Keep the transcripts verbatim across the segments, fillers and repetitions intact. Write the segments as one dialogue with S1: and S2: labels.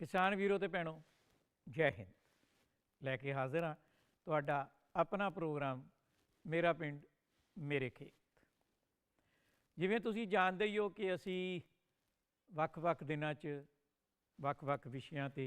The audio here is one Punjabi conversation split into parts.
S1: किसान वीरों ते भैनों जय हिंद लैके हाजिर हाँ तुहाडा अपना प्रोग्राम मेरा पिंड मेरे खेत। जिवें तुसीं जाणदे ही हो कि असी वख-वख दिनां च वख-वख विषयां ते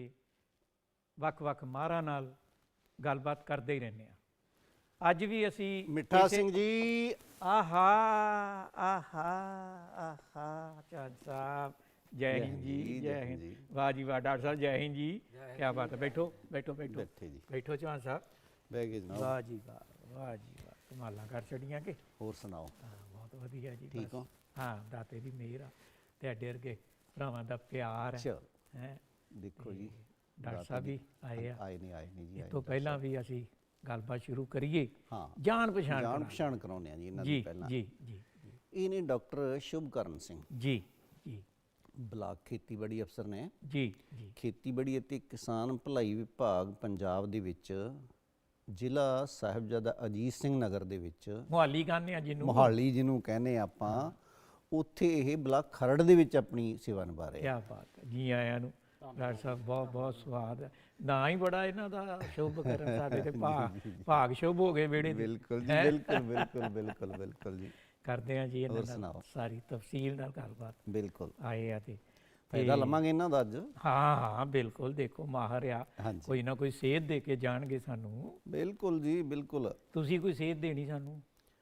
S1: वख-वख माहरां नाल गलबात करदे ही रहने आ। अज भी असी
S2: मिठा सिंह जी
S1: आहा आहा आहा चौहान साहब जय हिंद जी जय हिंद। वाह जी वाह डॉक्टर साहब जय हिंद जी। क्या बात है, बैठो बैठो बैठो
S2: बैठे जी
S1: बैठो चौहान साहब।
S2: बह गए जनाब।
S1: वाह जी वाह वाह जी वाह कमालां कर छड़ियां कि
S2: होर सुनाओ
S1: हाँ बहुत वधिया जी।
S2: ठीक
S1: बस
S2: हो?
S1: हाँ दाते दी मेहर आ ते अड्डे अरगे भरावां दा प्यार है
S2: चल
S1: हैं।
S2: देखो जी
S1: डॉक्टर साहब भी आए आ
S2: आए नहीं आए नहीं जी
S1: इस
S2: आए
S1: तो
S2: नहीं
S1: पहला भी असी गलबात शुरू करिए
S2: हाँ
S1: जान पछाण
S2: जान
S1: करा
S2: पछाण कराउने आ जी इन्हां
S1: जी
S2: दी पहला
S1: जी जी जी
S2: ਇਹ ਨੇ ਡਾਕਟਰ ਸ਼ੁਭਕਰਨ ਸਿੰਘ
S1: जी जी
S2: ਬਲਾਕ ਖੇਤੀਬਾੜੀ ਅਫਸਰ ਨੇ
S1: जी जी
S2: ਖੇਤੀਬਾੜੀ ਅਤੇ ਕਿਸਾਨ ਭਲਾਈ ਵਿਭਾਗ ਪੰਜਾਬ ਦੇ ਵਿੱਚ ਜ਼ਿਲ੍ਹਾ ਸਾਹਿਬਜ਼ਾਦਾ ਅਜੀਤ ਸਿੰਘ ਨਗਰ ਦੇ ਵਿੱਚ
S1: ਮੁਹਾਲੀ ਕਹਿੰਦੇ ਆ ਜਿਹਨੂੰ
S2: ਮੋਹਾਲੀ ਜਿਹਨੂੰ ਕਹਿੰਦੇ ਆਪਾਂ ਉੱਥੇ ਇਹ ਬਲਾਕ ਖਰੜ ਦੇ ਵਿੱਚ ਆਪਣੀ ਸੇਵਾ ਨਿਭਾ ਰਹੇ ਆ।
S1: क्या बात है जी आया ਨੂੰ ਡਾਕਟਰ ਸਾਹਿਬ ਬਹੁਤ ਬਹੁਤ ਸਵਾਦ ਹੈ ਨਾ ਹੀ ਬੜਾ ਇਹਨਾਂ ਦਾ ਸ਼ੁਭ ਕਰਨ ਸਾਡੇ ਤੇ ਭਾਗ ਭਾਗ ਸ਼ੁਭ ਹੋ ਗਏ ਵਿਹੜੇ ਦੇ।
S2: ਬਿਲਕੁਲ ਜੀ ਬਿਲਕੁਲ ਬਿਲਕੁਲ ਬਿਲਕੁਲ ਬਿਲਕੁਲ ਜੀ
S1: ਕਰਦੇ ਆ ਜੀ ਇਹਨਾਂ
S2: ਹੋਰ
S1: ਨਾਲ
S2: ਸੁਣਾਓ।
S1: ਸਾਰੀ ਤਫਸੀਲ ਨਾਲ ਗੱਲਬਾਤ
S2: ਬਿਲਕੁਲ
S1: ਆਏ ਆ ਤੇ
S2: ਫਾਇਦਾ ਲਵਾਂਗੇ ਇਹਨਾਂ ਦਾ ਅੱਜ।
S1: ਹਾਂ ਹਾਂ ਬਿਲਕੁਲ ਦੇਖੋ ਮਾਹਰ ਆ
S2: ਹਾਂਜੀ
S1: ਕੋਈ ਨਾ ਕੋਈ ਸੇਧ ਦੇ ਕੇ ਜਾਣਗੇ ਸਾਨੂੰ।
S2: ਬਿਲਕੁਲ ਜੀ ਬਿਲਕੁਲ।
S1: ਤੁਸੀਂ ਕੋਈ ਸੇਧ ਦੇਣੀ ਸਾਨੂੰ?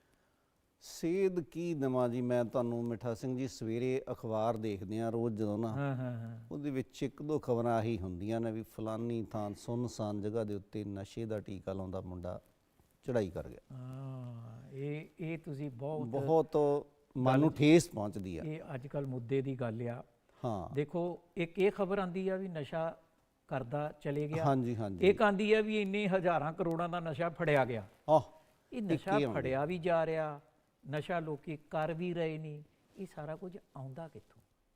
S2: ਸੇਧ ਕੀ ਦੇਵਾਂ ਜੀ ਮੈਂ ਤੁਹਾਨੂੰ ਮਿੱਠਾ ਸਿੰਘ ਜੀ, ਸਵੇਰੇ ਅਖਬਾਰ ਦੇਖਦੇ ਆ ਰੋਜ਼ ਜਦੋਂ ਨਾ
S1: ਹਾਂ ਹਾਂ ਹਾਂ
S2: ਉਹਦੇ ਵਿੱਚ ਇੱਕ ਦੋ ਖਬਰਾਂ ਆਹੀ ਹੁੰਦੀਆਂ ਨੇ ਵੀ ਫਲਾਨੀ ਥਾਂ ਸੁੰਨਸਾਨ ਜਗ੍ਹਾ ਦੇ ਉੱਤੇ ਨਸ਼ੇ ਦਾ ਟੀਕਾ ਲਾਉਂਦਾ ਮੁੰਡਾ ਚੜਾਈ ਕਰ ਗਿਆ।
S1: ਹਾਂ ਇਹ ਇਹ ਤੁਸੀਂ ਬਹੁਤ
S2: ਬਹੁਤ ਮਨ ਨੂੰ ਠੇਸ ਪਹੁੰਚਦੀ ਆ।
S1: ਇਹ ਅੱਜ ਕੱਲ ਮੁੱਦੇ ਦੀ ਗੱਲ ਆ।
S2: ਹਾਂ
S1: ਦੇਖੋ ਇੱਕ ਇਹ ਖਬਰ ਆਂਦੀ ਆ ਵੀ ਨਸ਼ਾ ਕਰਦਾ ਚਲੇ ਗਿਆ,
S2: ਹਾਂਜੀ ਹਾਂਜੀ
S1: ਇੱਕ ਆਂਦੀ ਆ ਵੀ ਇੰਨੇ ਹਜ਼ਾਰਾਂ ਕਰੋੜਾਂ ਦਾ ਨਸ਼ਾ ਫੜਿਆ ਗਿਆ।
S2: ਆਹ
S1: ਇਹ ਨਸ਼ਾ ਫੜਿਆ ਵੀ ਜਾ ਰਿਹਾ, ਨਸ਼ਾ ਲੋਕੀ ਕਰ ਵੀ ਰਹੇ ਨੇ, ਇਹ ਸਾਰਾ ਕੁਝ ਆਉਂਦਾ ਕਿੱਥੋਂ?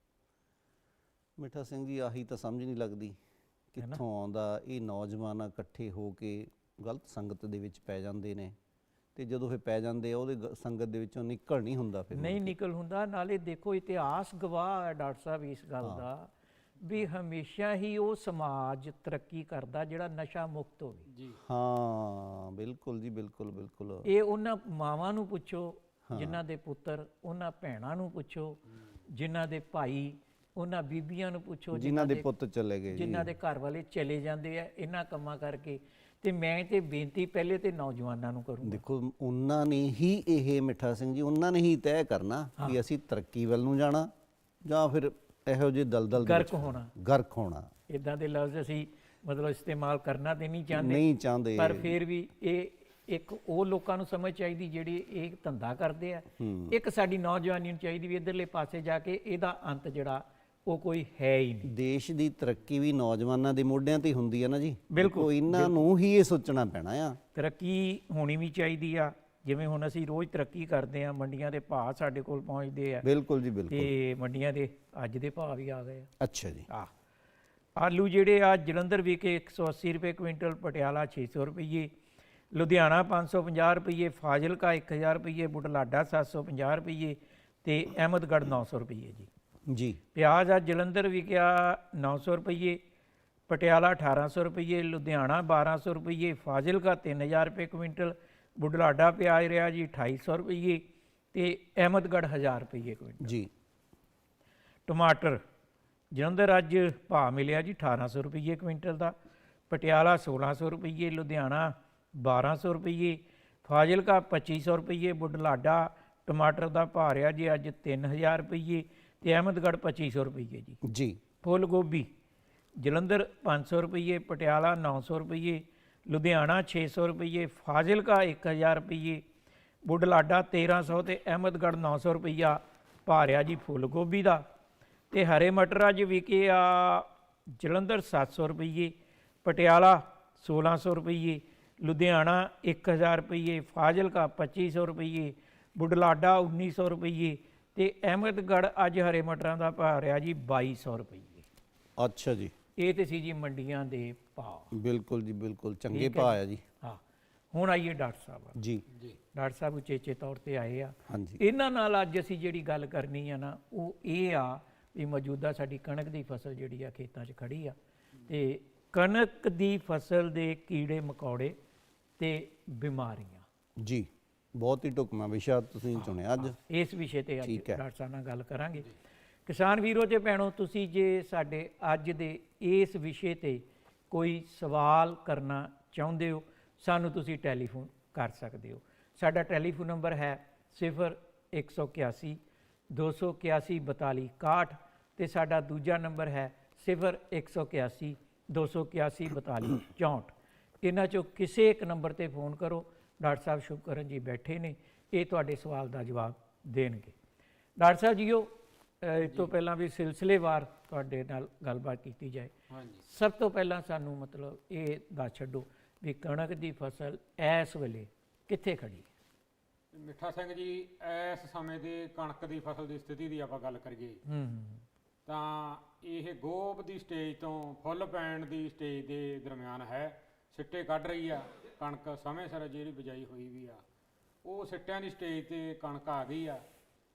S2: ਮਿੱਠਾ ਸਿੰਘ ਜੀ ਆਹੀ ਤਾਂ ਸਮਝ ਨਹੀਂ ਲੱਗਦੀ ਕਿੱਥੋਂ ਆਉਂਦਾ। ਇਹ ਨੌਜਵਾਨ ਇਕੱਠੇ ਹੋ ਕੇ ਗਲਤ ਸੰਗਤ ਦੇ ਵਿੱਚ ਪੈ ਜਾਂਦੇ ਨੇ ਤੇ ਜਦੋਂ ਇਹ ਪੈ ਜਾਂਦੇ ਆ ਉਹਦੇ ਗ- ਸੰਗਤ ਦੇ ਵਿੱਚੋਂ ਨਿਕਲ ਨਹੀਂ ਹੁੰਦਾ ਫਿਰ।
S1: ਨਹੀਂ ਨਿਕਲ ਹੁੰਦਾ। ਨਾਲੇ ਦੇਖੋ ਇਤਿਹਾਸ ਗਵਾਹ ਹੈ ਡਾਕਟਰ ਸਾਹਿਬ ਇਸ ਗੱਲ ਦਾ ਵੀ ਹਮੇਸ਼ਾ ਹੀ ਉਹ ਸਮਾਜ ਤਰੱਕੀ ਕਰਦਾ ਜਿਹੜਾ ਨਸ਼ਾ ਮੁਕਤ ਹੋਵੇ ਜੀ।
S2: ਹਾਂ ਬਿਲਕੁਲ ਜੀ ਬਿਲਕੁਲ ਬਿਲਕੁਲ।
S1: ਇਹ ਉਹਨਾਂ ਮਾਵਾਂ ਨੂੰ ਪੁੱਛੋ ਜਿਨ੍ਹਾਂ ਦੇ ਪੁੱਤਰ, ਉਹਨਾਂ ਭੈਣਾਂ ਨੂੰ ਪੁੱਛੋ ਜਿਨ੍ਹਾਂ ਦੇ ਭਾਈ, ਉਹਨਾਂ ਬੀਬੀਆਂ ਨੂੰ ਪੁੱਛੋ
S2: ਜਿਨ੍ਹਾਂ ਦੇ ਪੁੱਤ ਚਲੇ ਗਏ ਜੀ,
S1: ਜਿਨ੍ਹਾਂ ਦੇ ਘਰ ਵਾਲੇ ਚਲੇ ਜਾਂਦੇ ਆ ਇਹਨਾਂ ਕੰਮਾਂ ਕਰਕੇ। ਤੇ ਮੈਂ ਤੇ ਬੇਨਤੀ ਪਹਿਲੇ ਤੇ ਨੌਜਵਾਨਾਂ ਨੂੰ ਕਰੂੰਗਾ।
S2: ਦੇਖੋ ਉਹਨਾਂ ਨੇ ਹੀ ਇਹ ਮਿੱਠਾ ਸਿੰਘ ਜੀ ਉਹਨਾਂ ਨੇ ਹੀ ਤੈਅ ਕਰਨਾ ਵੀ ਅਸੀਂ ਤਰੱਕੀ ਵੱਲ ਨੂੰ ਜਾਣਾ ਜਾਂ ਫਿਰ ਇਹੋ ਜਿਹੇ ਦਲਦਲ ਦੇ
S1: ਗਰਕ ਹੋਣਾ।
S2: ਗਰਕ ਹੋਣਾ
S1: ਇਦਾਂ ਦੇ ਲਫ਼ਜ਼ ਅਸੀਂ ਮਤਲਬ ਇਸਤੇਮਾਲ ਕਰਨਾ ਤੇ ਨਹੀਂ ਚਾਹੁੰਦੇ,
S2: ਨਹੀਂ ਚਾਹੁੰਦੇ।
S1: ਪਰ ਫਿਰ ਵੀ ਇਹ ਇੱਕ ਉਹ ਲੋਕਾਂ ਨੂੰ ਸਮਝ ਚਾਹੀਦੀ ਜਿਹੜੇ ਇਹ ਧੰਦਾ ਕਰਦੇ ਆ। ਇੱਕ ਸਾਡੀ ਨੌਜਵਾਨੀ ਨੂੰ ਚਾਹੀਦੀ ਵੀ ਇਧਰਲੇ ਪਾਸੇ ਜਾ ਕੇ ਇਹਦਾ ਅੰਤ ਜਿਹੜਾ ਉਹ ਕੋਈ ਹੈ ਹੀ ਨਹੀਂ।
S2: ਦੇਸ਼ ਦੀ ਤਰੱਕੀ ਵੀ ਨੌਜਵਾਨਾਂ ਦੇ ਮੋਢਿਆਂ ਤੇ ਹੁੰਦੀ ਹੈ ਨਾ ਜੀ।
S1: ਬਿਲਕੁਲ
S2: ਇਹਨਾਂ ਨੂੰ ਹੀ ਇਹ ਸੋਚਣਾ ਪੈਣਾ ਆ।
S1: ਤਰੱਕੀ ਹੋਣੀ ਵੀ ਚਾਹੀਦੀ ਆ। ਜਿਵੇਂ ਹੁਣ ਅਸੀਂ ਰੋਜ਼ ਤਰੱਕੀ ਕਰਦੇ ਆ, ਮੰਡੀਆਂ ਦੇ ਭਾਅ ਸਾਡੇ ਕੋਲ ਪਹੁੰਚਦੇ ਆ
S2: ਬਿਲਕੁਲ ਜੀ ਬਿਲਕੁਲ।
S1: ਤੇ ਮੰਡੀਆਂ ਦੇ ਅੱਜ ਦੇ ਭਾਅ ਵੀ ਆ ਗਏ ਆ।
S2: ਅੱਛਾ ਜੀ।
S1: ਆ ਆਲੂ ਜਿਹੜੇ ਆ ਜਲੰਧਰ ਵਿਕੇ ਇੱਕ ਸੌ ਅੱਸੀ ਰੁਪਏ ਕੁਇੰਟਲ, ਪਟਿਆਲਾ ਛੇ ਸੌ ਰੁਪਏ, ਲੁਧਿਆਣਾ ਪੰਜ ਸੌ ਪੰਜਾਹ ਰੁਪਏ, ਫਾਜ਼ਿਲਕਾ ਇੱਕ ਹਜ਼ਾਰ ਰੁਪਏ, ਬੁਢਲਾਡਾ ਸੱਤ ਸੌ ਪੰਜਾਹ ਰੁਪਏ ਤੇ ਅਹਿਮਦਗੜ੍ਹ ਨੌ ਸੌ ਰੁਪਏ ਜੀ।
S2: ਜੀ
S1: ਪਿਆਜ਼ ਆ ਜਲੰਧਰ ਵਿਕਿਆ ਨੌ ਸੌ ਰੁਪਏ, ਪਟਿਆਲਾ ਅਠਾਰਾਂ ਸੌ ਰੁਪਏ, ਲੁਧਿਆਣਾ ਬਾਰਾਂ ਸੌ ਰੁਪਏ, ਫਾਜ਼ਿਲਕਾ ਤਿੰਨ ਹਜ਼ਾਰ ਰੁਪਏ ਕੁਇੰਟਲ, ਬੁਢਲਾਡਾ ਪਿਆਜ਼ ਰਿਹਾ ਜੀ ਅਠਾਈ ਸੌ ਰੁਪਏ ਤੇ ਅਹਿਮਦਗੜ੍ਹ ਹਜ਼ਾਰ ਰੁਪਏ ਕੁਇੰਟਲ
S2: ਜੀ।
S1: ਟਮਾਟਰ ਜਲੰਧਰ ਅੱਜ ਭਾਅ ਮਿਲਿਆ ਜੀ ਅਠਾਰਾਂ ਸੌ ਰੁਪਏ ਕੁਇੰਟਲ ਦਾ, ਪਟਿਆਲਾ ਸੋਲਾਂ ਸੌ ਰੁਪਏ, ਲੁਧਿਆਣਾ ਬਾਰਾਂ ਸੌ ਰੁਪਏ, ਫਾਜ਼ਿਲਕਾ ਪੱਚੀ ਸੌ ਰੁਪਏ, ਬੁਢਲਾਡਾ ਟਮਾਟਰ ਦਾ ਭਾਅ ਰਿਹਾ ਜੀ ਅੱਜ ਤਿੰਨ ਹਜ਼ਾਰ ਰੁਪਏ ਤੇ ਅਹਿਮਦਗੜ੍ਹ ਪੱਚੀ ਸੌ ਰੁਪਏ ਜੀ।
S2: ਜੀ
S1: ਫੁੱਲ ਗੋਭੀ ਜਲੰਧਰ ਪੰਜ ਸੌ ਰੁਪਏ, ਪਟਿਆਲਾ ਨੌ ਸੌ ਰੁਪਏ, ਲੁਧਿਆਣਾ ਛੇ ਸੌ ਰੁਪਏ, ਫਾਜ਼ਿਲਕਾ ਇੱਕ ਹਜ਼ਾਰ ਰੁਪਏ, ਬੁਢਲਾਡਾ ਤੇਰਾਂ ਸੌ ਤੇ ਅਹਿਮਦਗੜ੍ਹ ਨੌ ਸੌ ਰੁਪਈਆ ਭਾਅ ਰਿਹਾ ਜੀ ਫੁੱਲ ਗੋਭੀ ਦਾ। ਤੇ ਹਰੇ ਮਟਰ ਅੱਜ ਵਿਕੇ ਆ ਜਲੰਧਰ ਸੱਤ ਸੌ ਰੁਪਏ, ਪਟਿਆਲਾ ਸੋਲਾਂ ਸੌ ਰੁਪਏ, ਲੁਧਿਆਣਾ ਇੱਕ ਹਜ਼ਾਰ ਰੁਪਏ, ਫਾਜ਼ਿਲਕਾ ਪੱਚੀ ਸੌ ਰੁਪਏ, ਬੁਢਲਾਡਾ ਉੱਨੀ ਸੌ ਰੁਪਏ ਤੇ ਅਹਿਮਦਗੜ੍ਹ ਅੱਜ ਹਰੇ ਮਟਰਾਂ ਦਾ ਭਾਅ ਰਿਹਾ ਜੀ ਬਾਈ ਸੌ ਰੁਪਏ।
S2: ਅੱਛਾ ਜੀ।
S1: ਇਹ ਤੇ ਸੀ ਜੀ ਮੰਡੀਆਂ ਦੇ ਭਾਅ।
S2: ਬਿਲਕੁਲ ਜੀ ਬਿਲਕੁਲ ਚੰਗੇ ਭਾਅ ਆ ਜੀ।
S1: ਹਾਂ ਹੁਣ ਆਈਏ ਡਾਕਟਰ ਸਾਹਿਬ।
S2: ਜੀ
S1: ਜੀ ਡਾਕਟਰ ਸਾਹਿਬ ਉਚੇਚੇ ਤੌਰ ਤੇ ਆਏ ਆ।
S2: ਹਾਂਜੀ।
S1: ਇਹਨਾਂ ਨਾਲ ਅੱਜ ਅਸੀਂ ਜਿਹੜੀ ਗੱਲ ਕਰਨੀ ਆ ਨਾ ਉਹ ਇਹ ਆ ਵੀ ਮੌਜੂਦਾ ਸਾਡੀ ਕਣਕ ਦੀ ਫਸਲ ਜਿਹੜੀ ਆ ਖੇਤਾਂ 'ਚ ਖੜੀ ਆ ਤੇ ਕਣਕ ਦੀ ਫਸਲ ਦੇ ਕੀੜੇ ਮਕੌੜੇ ਤੇ ਬਿਮਾਰੀਆਂ,
S2: ਜੀ ਬਹੁਤ ਹੀ ਢੁਕਵਾਂ ਵਿਸ਼ਾ ਤੁਸੀਂ ਚੁਣਿਆ ਅੱਜ।
S1: ਇਸ ਵਿਸ਼ੇ ਤੇ ਅੱਜ
S2: ਠੀਕ ਹੈ।
S1: ਡਾਕਟਰ ਸਾਹਿਬ ਨਾਲ ਗੱਲ ਕਰਾਂਗੇ। ਕਿਸਾਨ ਵੀਰੋ ਤੇ ਭੈਣੋ, ਤੁਸੀਂ ਜੇ ਸਾਡੇ ਅੱਜ ਦੇ ਇਸ ਵਿਸ਼ੇ ਤੇ ਕੋਈ ਸਵਾਲ ਕਰਨਾ ਚਾਹੁੰਦੇ ਹੋ, ਸਾਨੂੰ ਤੁਸੀਂ ਟੈਲੀਫੋਨ ਕਰ ਸਕਦੇ ਹੋ। ਸਾਡਾ ਟੈਲੀਫੋਨ ਨੰਬਰ ਹੈ ਸਿਫਰ ਇੱਕ ਸੌ ਇਕਿਆਸੀ ਦੋ ਸੌ ਇਕਿਆਸੀ ਬਤਾਲੀ ਇਕਾਹਠ ਤੇ ਸਾਡਾ ਦੂਜਾ ਨੰਬਰ ਹੈ ਸਿਫਰ ਇੱਕ ਸੌ ਇਕਿਆਸੀ ਦੋ ਸੌ ਇਕਿਆਸੀ ਬਤਾਲੀ ਚੌਂਹਠ। ਇਹਨਾਂ 'ਚੋਂ ਕਿਸੇ ਇੱਕ ਨੰਬਰ ਤੇ ਫੋਨ ਕਰੋ। ਡਾਕਟਰ ਸਾਹਿਬ ਸ਼ੁਭਕਰਨ ਜੀ ਬੈਠੇ ਨੇ, ਇਹ ਤੁਹਾਡੇ ਸਵਾਲ ਦਾ ਜਵਾਬ ਦੇਣਗੇ। ਡਾਕਟਰ ਸਾਹਿਬ ਜੀਓ, ਅ, ਇਸ ਤੋਂ ਪਹਿਲਾਂ ਵੀ ਸਿਲਸਿਲੇਵਾਰ ਤੁਹਾਡੇ ਨਾਲ ਗੱਲਬਾਤ ਕੀਤੀ ਜਾਏ।
S3: ਹਾਂਜੀ,
S1: ਸਭ ਤੋਂ ਪਹਿਲਾਂ ਸਾਨੂੰ ਮਤਲਬ ਇਹ ਦੱਸ ਛੱਡੋ ਵੀ ਕਣਕ ਦੀ ਫਸਲ ਇਸ ਵੇਲੇ ਕਿੱਥੇ ਖੜੀ ਹੈ?
S3: ਮਿੱਠਾ ਸਿੰਘ ਜੀ, ਇਸ ਸਮੇਂ ਦੇ ਕਣਕ ਦੀ ਫਸਲ ਦੀ ਸਥਿਤੀ ਦੀ ਆਪਾਂ ਗੱਲ ਕਰੀਏ
S1: ਹੂੰ
S3: ਤਾਂ ਇਹ ਗੋਭ ਦੀ ਸਟੇਜ ਤੋਂ ਫੁੱਲ ਪੈਣ ਦੀ ਸਟੇਜ ਦੇ ਦਰਮਿਆਨ ਹੈ। ਸਿੱਟੇ ਕੱਢ ਰਹੀ ਆ ਕਣਕ, ਸਮੇਂ ਸਿਰ ਜਿਹੜੀ ਬਿਜਾਈ ਹੋਈ ਵੀ ਆ ਉਹ ਸਿੱਟਿਆਂ ਦੀ ਸਟੇਜ ਤੇ ਕਣਕ ਆ ਗਈ ਆ।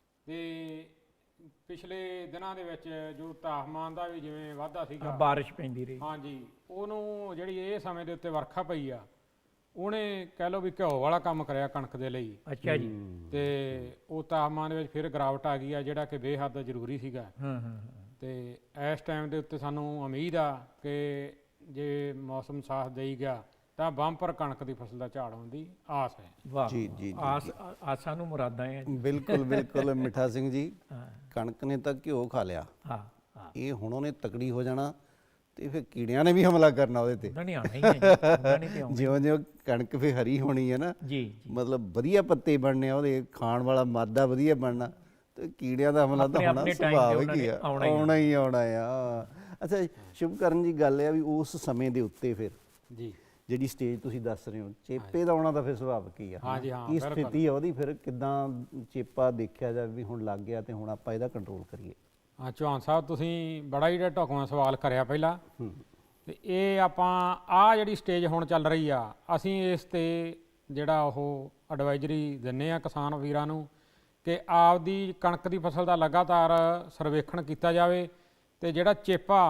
S3: ਤੇ ਪਿਛਲੇ ਦਿਨਾਂ ਦੇ ਵਿੱਚ ਜੋ ਤਾਪਮਾਨ ਦਾ ਵੀ ਜਿਵੇਂ ਵਾਧਾ ਸੀਗਾ,
S1: ਬਾਰਿਸ਼ ਪੈਂਦੀ ਰਹੀ।
S3: ਹਾਂਜੀ, ਉਹਨੂੰ ਜਿਹੜੀ ਇਹ ਸਮੇਂ ਦੇ ਉੱਤੇ ਵਰਖਾ ਪਈ ਆ, ਉਹਨੇ ਕਹਿ ਲਓ ਵੀ ਘਿਓ ਵਾਲਾ ਕੰਮ ਕਰਿਆ ਕਣਕ ਦੇ ਲਈ।
S1: ਅੱਛਾ ਜੀ।
S3: ਤੇ ਉਹ ਤਾਪਮਾਨ ਦੇ ਵਿੱਚ ਫਿਰ ਗਿਰਾਵਟ ਆ ਗਈ ਆ, ਜਿਹੜਾ ਕਿ ਬੇਹੱਦ ਜ਼ਰੂਰੀ ਸੀਗਾ।
S1: ਹਾਂ ਹਾਂ
S3: ਤੇ ਇਸ ਟਾਈਮ ਦੇ ਉੱਤੇ ਸਾਨੂੰ ਉਮੀਦ ਆ ਕਿ ਜੇ ਮੌਸਮ ਸਾਥ ਦੇਈ ਗਿਆ ਤਾਂ ਬੰਪਰ ਕਣਕ ਦੀ ਫਸਲ ਦਾ ਝਾੜ ਹੋਣ ਦੀ ਆਸ ਹੈ।
S1: ਵਾਹ,
S2: ਜੀ, ਜੀ, ਜੀ,
S1: ਆਸ ਆਸਾਂ ਨੂੰ ਮੁਰਾਦਾਂ ਹੈ ਜੀ।
S2: ਬਿਲਕੁਲ ਬਿਲਕੁਲ ਮਿੱਠਾ ਸਿੰਘ ਜੀ,
S1: ਹਾਂ
S2: ਕਣਕ ਨੇ ਤਾਂ ਘਿਓ ਖਾ ਲਿਆ,
S1: ਹਾਂ ਹਾਂ,
S2: ਇਹ ਹੁਣ ਉਹਨੇ ਤਕੜੀ ਹੋ ਜਾਣਾ ਤੇ ਫਿਰ ਕੀੜਿਆਂ ਨੇ ਵੀ ਹਮਲਾ ਕਰਨਾ ਉਹਦੇ ਤੇ।
S1: ਉਹਨਾਂ ਨਹੀਂ ਆਉਣਾ ਹੀ ਹੈ ਜੀ, ਉਹਨਾਂ ਨਹੀਂ ਤੇ ਆਉਣਾ।
S2: ਜਿਉਂ ਜਿਉਂ ਕਣਕ ਫਿਰ ਹਰੀ ਹੋਣੀ ਹੈ ਨਾ,
S1: ਜੀ ਜੀ,
S2: ਮਤਲਬ ਵਧੀਆ ਪੱਤੇ ਬਣਨੇ ਆ, ਉਹਦੇ ਖਾਣ ਵਾਲਾ ਮਾਦਾ ਵਧੀਆ ਬਣਨਾ, ਤੇ ਕੀੜਿਆਂ ਦਾ ਹਮਲਾ ਤਾਂ
S1: ਆਪਣੇ-
S2: ਹੋਣਾ
S1: ਆਪਣੇ time ਤੇ
S2: ਸੁਭਾਵਿਕ
S1: ਉਹਨਾਂ
S2: ਹੀ
S1: ਨੇ
S2: ਆ,
S1: ਆਉਣਾ ਹੀ
S2: ਆਉਣਾ ਹੀ ਆਉਣਾ ਆ। ਅੱਛਾ ਸ਼ੁਭਕਰਨ ਜੀ, ਗੱਲ ਇਹ ਆ ਵੀ ਉਸ ਸਮੇਂ ਦੇ ਉੱਤੇ ਫਿਰ
S3: ਜੀ,
S2: ਜਿਹੜੀ ਸਟੇਜ ਤੁਸੀਂ ਦੱਸ ਰਹੇ ਹੋ, ਚੇਪੇ ਦਾ ਆਉਣਾ ਤਾਂ ਫਿਰ ਸੁਭਾਵਿਕ ਹੀ ਆ।
S3: ਹਾਂਜੀ, ਹਾਂ,
S2: ਕੀ
S3: ਬਿਲਕੁਲ।
S2: ਸਥਿਤੀ ਆ ਉਹਦੀ ਫਿਰ, ਕਿੱਦਾਂ ਚੇਪਾ ਦੇਖਿਆ ਜਾਵੇ ਵੀ ਹੁਣ ਲੱਗ ਗਿਆ ਤੇ ਹੁਣ ਆਪਾਂ ਇਹਦਾ ਕੰਟਰੋਲ ਕਰੀਏ?
S3: ਹਾਂ ਚੌਹਾਨ ਸਾਹਿਬ, ਤੁਸੀਂ ਬੜਾ ਹੀ ਢੁਕਵਾਂ ਸਵਾਲ ਕਰਿਆ ਪਹਿਲਾਂ।
S2: ਹੂੰ
S3: ਤੇ ਇਹ ਆਪਾਂ ਆਹ ਜਿਹੜੀ ਸਟੇਜ ਹੁਣ ਚੱਲ ਰਹੀ ਆ, ਅਸੀਂ ਇਸ ਤੇ ਜਿਹੜਾ ਉਹ ਐਡਵਾਈਜ਼ਰੀ ਦਿੰਨੇ ਆ ਕਿਸਾਨ ਵੀਰਾਂ ਨੂੰ ਕਿ ਆਪਦੀ ਕਣਕ ਦੀ ਫਸਲ ਦਾ ਲਗਾਤਾਰ ਸਰਵੇਖਣ ਕੀਤਾ ਜਾਵੇ। ਤੇ ਜਿਹੜਾ ਚੇਪਾ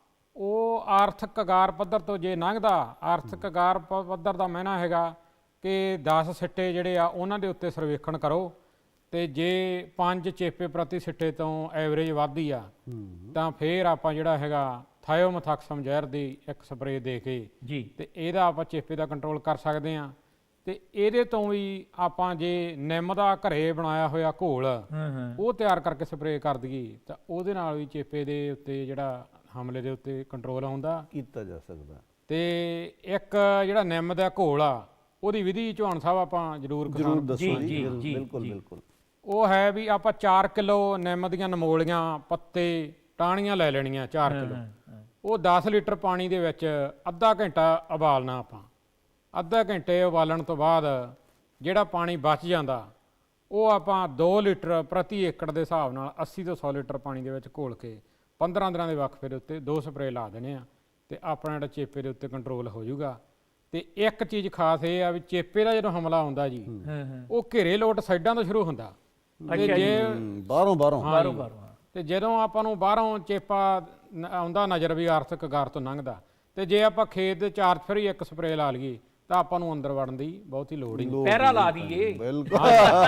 S3: ਉਹ ਆਰਥਿਕ ਅਗਾਰ ਪੱਧਰ ਤੋਂ ਜੇ ਲੰਘਦਾ, ਆਰਥਿਕ ਅਗਾਰ ਪ- ਪੱਧਰ ਦਾ ਮਹਿਨਾ ਹੈਗਾ ਕਿ ਦਸ ਸਿੱਟੇ ਜਿਹੜੇ ਆ ਉਹਨਾਂ ਦੇ ਉੱਤੇ ਸਰਵੇਖਣ ਕਰੋ। ਤੇ ਜੇ ਪੰਜ ਚੇਪੇ ਪ੍ਰਤੀ ਸਿੱਟੇ ਤੋਂ ਐਵਰੇਜ ਵੱਧਦੀ ਆ
S2: ਹੂੰ
S3: ਤਾਂ ਫੇਰ ਆਪਾਂ ਜਿਹੜਾ ਹੈਗਾ ਥਾਇਓਮੈਥਾਕਸਮ ਜ਼ਹਿਰ ਦੀ ਇੱਕ ਸਪਰੇਅ ਦੇ ਕੇ
S1: ਜੀ
S3: ਤੇ ਇਹਦਾ ਆਪਾਂ ਚੇਪੇ ਦਾ ਕੰਟਰੋਲ ਕਰ ਸਕਦੇ ਹਾਂ। ਤੇ ਇਹਦੇ ਤੋਂ ਵੀ ਆਪਾਂ ਜੇ ਨਿੰਮ ਦਾ ਘਰੇ ਬਣਾਇਆ ਹੋਇਆ ਘੋਲ
S1: ਹਾਂ ਹਾਂ,
S3: ਉਹ ਤਿਆਰ ਕਰਕੇ ਸਪਰੇਅ ਕਰ ਦਈਏ ਤਾਂ ਉਹਦੇ ਨਾਲ ਵੀ ਚੇਪੇ ਦੇ ਉੱਤੇ ਜਿਹੜਾ ਹਮਲੇ ਦੇ ਉੱਤੇ ਕੰਟਰੋਲ ਆਉਂਦਾ।
S2: ਕੀਤਾ ਜਾ ਸਕਦਾ।
S3: ਤੇ ਇੱਕ ਜਿਹੜਾ ਨਿੰਮ ਦਾ ਘੋਲ ਆ, ਉਹਦੀ ਵਿਧੀ ਚੌਹਾਨ ਸਾਹਿਬ ਆਪਾਂ ਜ਼ਰੂਰ
S2: ਜ਼ਰੂਰ
S3: ਕਿਸਾਨ-
S2: ਦੱਸੋ
S1: ਜੀ,
S2: ਜੀ,
S1: ਜੀ,
S2: ਬਿਲ-
S1: ਜੀ,
S2: ਬਿਲਕੁਲ
S1: ਜੀ।
S2: ਬਿਲਕੁਲ।
S3: ਉਹ ਹੈ ਵੀ ਆਪਾਂ ਚਾਰ ਕਿਲੋ ਨਿੰਮ ਦੀਆਂ ਨਮੋਲੀਆਂ, ਪੱਤੇ, ਟਾਹਣੀਆਂ ਲੈ ਲੈਣੀਆਂ ਚਾਰ
S1: ਹਾਂ,
S3: ਕਿਲੋ।
S1: ਹਾਂ, ਹਾਂ।
S3: ਉਹ ਦਸ ਲੀਟਰ ਪਾਣੀ ਦੇ ਵਿੱਚ ਅੱਧਾ ਘੰਟਾ ਉਬਾਲਣਾ ਆਪਾਂ। ਅੱਧਾ ਘੰਟੇ ਉਬਾਲਣ ਤੋਂ ਬਾਅਦ ਜਿਹੜਾ ਪਾਣੀ ਬਚ ਜਾਂਦਾ ਉਹ ਆਪਾਂ ਦੋ ਲੀਟਰ ਪ੍ਰਤੀ ਏਕੜ ਦੇ ਹਿਸਾਬ ਨਾਲ ਅੱਸੀ ਤੋਂ ਸੌ ਲੀਟਰ ਪਾਣੀ ਦੇ ਵਿੱਚ ਘੋਲ ਕੇ ਪੰਦਰਾਂ ਦਿਨਾਂ ਦੇ ਵਕਫੇ ਦੇ ਉੱਤੇ ਦੋ ਸਪਰੇਅ ਲਾ ਦੇਣੇ ਆ ਤੇ ਆਪਣਾ ਜਿਹੜਾ ਚੇਪੇ ਦੇ ਉੱਤੇ ਕੰਟਰੋਲ ਹੋ ਜਾਊਗਾ। ਤੇ ਇੱਕ ਚੀਜ਼ ਖਾਸ ਇਹ ਆ ਵੀ ਚੇਪੇ ਦਾ ਜਦੋਂ ਹਮਲਾ ਆਉਂਦਾ ਜੀ,
S1: ਹਾਂ ਹਾਂ,
S3: ਉਹ ਘੇਰੇ ਲੋਟ ਸਾਈਡਾਂ ਤੋਂ ਸ਼ੁਰੂ ਹੁੰਦਾ। ਤੇ
S1: ਅੱਛਾ ਜੀ।
S3: ਜੇ
S2: ਹੂੰ, ਬਾਹਰੋਂ ਬਾਹਰੋਂ
S3: ਹਾਂ
S1: ਬਾਰੋ
S3: ਜੀ।
S1: ਬਾਰੋ, ਹਾਂ।
S3: ਤੇ ਜਦੋਂ ਆਪਾਂ ਨੂੰ ਬਾਹਰੋਂ ਚੇਪਾ ਨ- ਆਉਂਦਾ ਨਜ਼ਰ ਵੀ ਆਰਥਿਕ ਗਾਰ ਤੋਂ ਲੰਘਦਾ, ਤੇ ਜੇ ਆਪਾਂ ਖੇਤ ਦੇ ਚਾਰ ਫਰੀ ਇੱਕ ਸਪਰੇਅ ਲਾ ਲਈਏ ਤਾਂ ਆਪਾਂ ਨੂੰ ਅੰਦਰ ਵੜਨ ਦੀ ਬਹੁਤੀ ਲੋੜ ਹੀ ਨਹੀਂ।
S2: ਲੋੜ
S1: ਪਹਿਰਾ
S2: ਨਹੀਂ
S1: ਲਾ
S2: ਪੈਣੀ।
S1: ਦਈਏ।
S2: ਬਿਲਕੁਲ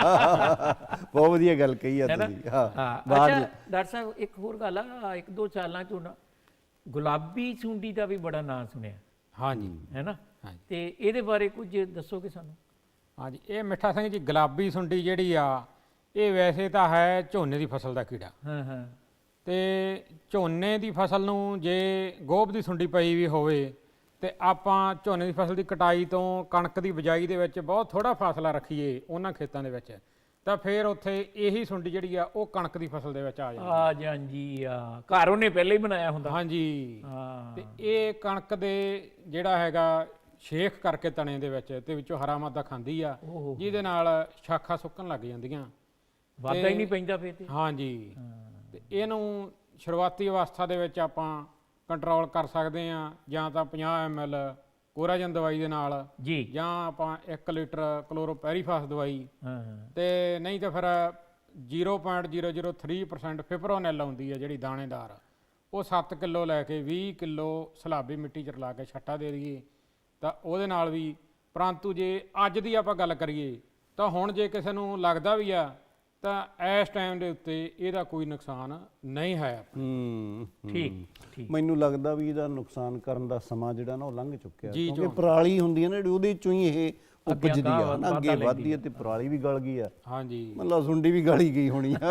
S2: ਬਹੁਤ ਵਧੀਆ ਗੱਲ ਕਹੀ ਆ
S1: ਹੈ ਨਾ?
S2: ਤੁਸੀਂ। ਹਾਂ
S1: ਹਾਂ
S2: ਬਾਹਰ
S1: ਅੱਛਾ ਡਾਕਟਰ ਸਾਹਿਬ, ਇੱਕ ਹੋਰ ਗੱਲ ਆ, ਇੱਕ ਦੋ ਸਾਲਾਂ ਤੋਂ ਨਾ ਗੁਲਾਬੀ ਸੁੰਡੀ ਦਾ ਵੀ ਬੜਾ ਨਾਂ ਸੁਣਿਆ,
S3: ਹਾਂਜੀ
S1: ਹੈ ਨਾ?
S3: ਹਾਂਜੀ
S1: ਤੇ ਇਹਦੇ ਬਾਰੇ ਕੁਝ ਦੱਸੋਗੇ ਸਾਨੂੰ?
S3: ਹਾਂਜੀ, ਇਹ ਮਿੱਠਾ ਸਿੰਘ ਜੀ, ਗੁਲਾਬੀ ਸੁੰਡੀ ਜਿਹੜੀ ਆ, ਇਹ ਵੈਸੇ ਤਾਂ ਹੈ ਝੋਨੇ ਦੀ ਫਸਲ ਦਾ ਕੀੜਾ।
S1: ਹਾਂ ਹਾਂ,
S3: ਤੇ ਝੋਨੇ ਦੀ ਫਸਲ ਨੂੰ ਜੇ ਗੋਭ ਦੀ ਸੁੰਡੀ ਪਈ ਵੀ ਹੋਵੇ ਤੇ ਆਪਾਂ ਝੋਨੇ ਦੀ ਫਸਲ ਦੀ ਕਟਾਈ ਤੋਂ ਕਣਕ ਦੀ ਬਿਜਾਈ ਦੇ ਵਿੱਚ ਬਹੁਤ ਥੋੜਾ ਫਾਸਲਾ ਰੱਖੀਏ ਉਹਨਾਂ ਖੇਤਾਂ ਦੇ ਵਿੱਚ, ਤਾਂ ਫਿਰ ਉੱਥੇ ਇਹੀ ਸੁੰਡੀ ਜਿਹੜੀ ਆ ਉਹ ਕਣਕ ਦੀ ਫਸਲ ਦੇ ਵਿੱਚ ਆ ਜਾਂਦੀ।
S1: ਆ ਜਾਂਦੀ ਆ, ਘਰ ਉਹਨੇ ਪਹਿਲੇ ਹੀ ਬਣਾਇਆ ਹੁੰਦਾ।
S3: ਹਾਂਜੀ,
S1: ਹਾਂ
S3: ਤੇ ਇਹ ਕਣਕ ਦੇ ਜਿਹੜਾ ਹੈਗਾ ਸ਼ੇਖ ਕਰਕੇ ਤਣੇ ਦੇ ਵਿੱਚ ਤੇ ਵਿੱਚੋਂ ਹਰਾ ਮਾਦਾ ਖਾਂਦੀ ਆ,
S1: ਓਹੋ,
S3: ਜਿਹਦੇ ਨਾਲ ਸ਼ਾਖਾ ਸੁੱਕਣ ਲੱਗ ਜਾਂਦੀਆਂ।
S1: ਵਾਧਾ ਹੀ ਨਹੀਂ ਪੈਂਦਾ ਫੇਰ ਤੇ।
S3: ਹਾਂਜੀ,
S1: ਹਾਂ,
S3: ਤੇ ਇਹਨੂੰ ਸ਼ੁਰੂਆਤੀ ਅਵਸਥਾ ਦੇ ਵਿੱਚ ਆਪਾਂ ਕੰਟਰੋਲ ਕਰ ਸਕਦੇ ਆ, ਜਾਂ ਤਾਂ ਪੰਜਾਹ ਐਮ ਐਲ ਕੋਰਾਜਨ ਦਵਾਈ ਦੇ ਨਾਲ,
S1: ਜੀ
S3: ਜਾਂ ਆਪਾਂ ਇੱਕ ਲੀਟਰ ਕਲੋਰੋਪੈਰੀਫਾਸ ਦਵਾਈ,
S1: ਹਾਂ ਹਾਂ,
S3: ਤੇ ਨਹੀਂ ਤਾਂ ਫਿਰ zero point zero zero three percent fipronil ਆਉਂਦੀ ਹੈ ਜਿਹੜੀ ਦਾਣੇਦਾਰ, ਉਹ ਸੱਤ ਕਿਲੋ ਲੈ ਕੇ ਵੀਹ ਕਿਲੋ ਸਲਾਬੀ ਮਿੱਟੀ 'ਚ ਰਲਾ ਕੇ ਛੱਟਾ ਦੇ ਦਈਏ ਤਾਂ ਉਹਦੇ ਨਾਲ ਵੀ। ਪਰੰਤੂ ਜੇ ਅੱਜ ਦੀ ਆਪਾਂ ਗੱਲ ਕਰੀਏ ਤਾਂ ਹੁਣ ਜੇ ਕਿਸੇ ਨੂੰ ਲੱਗਦਾ ਵੀ ਆ ਤਾਂ ਇਸ ਟਾਈਮ ਦੇ ਉੱਤੇ ਇਹਦਾ ਕੋਈ ਨੁਕਸਾਨ ਨਹੀਂ ਹੈ।
S2: ਹੂੰ
S1: ਠੀਕ ਠੀਕ
S2: ਮੈਨੂੰ ਲੱਗਦਾ ਵੀ ਇਹਦਾ ਨੁਕਸਾਨ ਕਰਨ ਦਾ ਸਮਾਂ ਜਿਹੜਾ ਨਾ ਉਹ ਲੰਘ ਚੁੱਕਿਆ,
S3: ਜੀ,
S2: ਕਿਉਂਕਿ ਪਰਾਲੀ ਹੁੰਦੀ ਹੈ ਨਾ ਜਿਹੜੀ ਉਹਦੇ ਚੋਂ ਹੀ ਇਹ ਉਪਜਦੀ ਆ
S1: ਅਗਾਂਹ
S2: ਨਾ, ਅੱਗੇ
S1: ਵੱਧਦਾ
S2: ਵੱਧਦੀ ਹੈ ਤੇ ਪਰਾਲੀ ਵੀ ਗਲ ਗਈ ਆ,
S3: ਹਾਂਜੀ
S2: ਮਤਲਬ ਸੁੰਡੀ ਵੀ ਗਾਲੀ ਗਈ ਹੋਣੀ ਆ।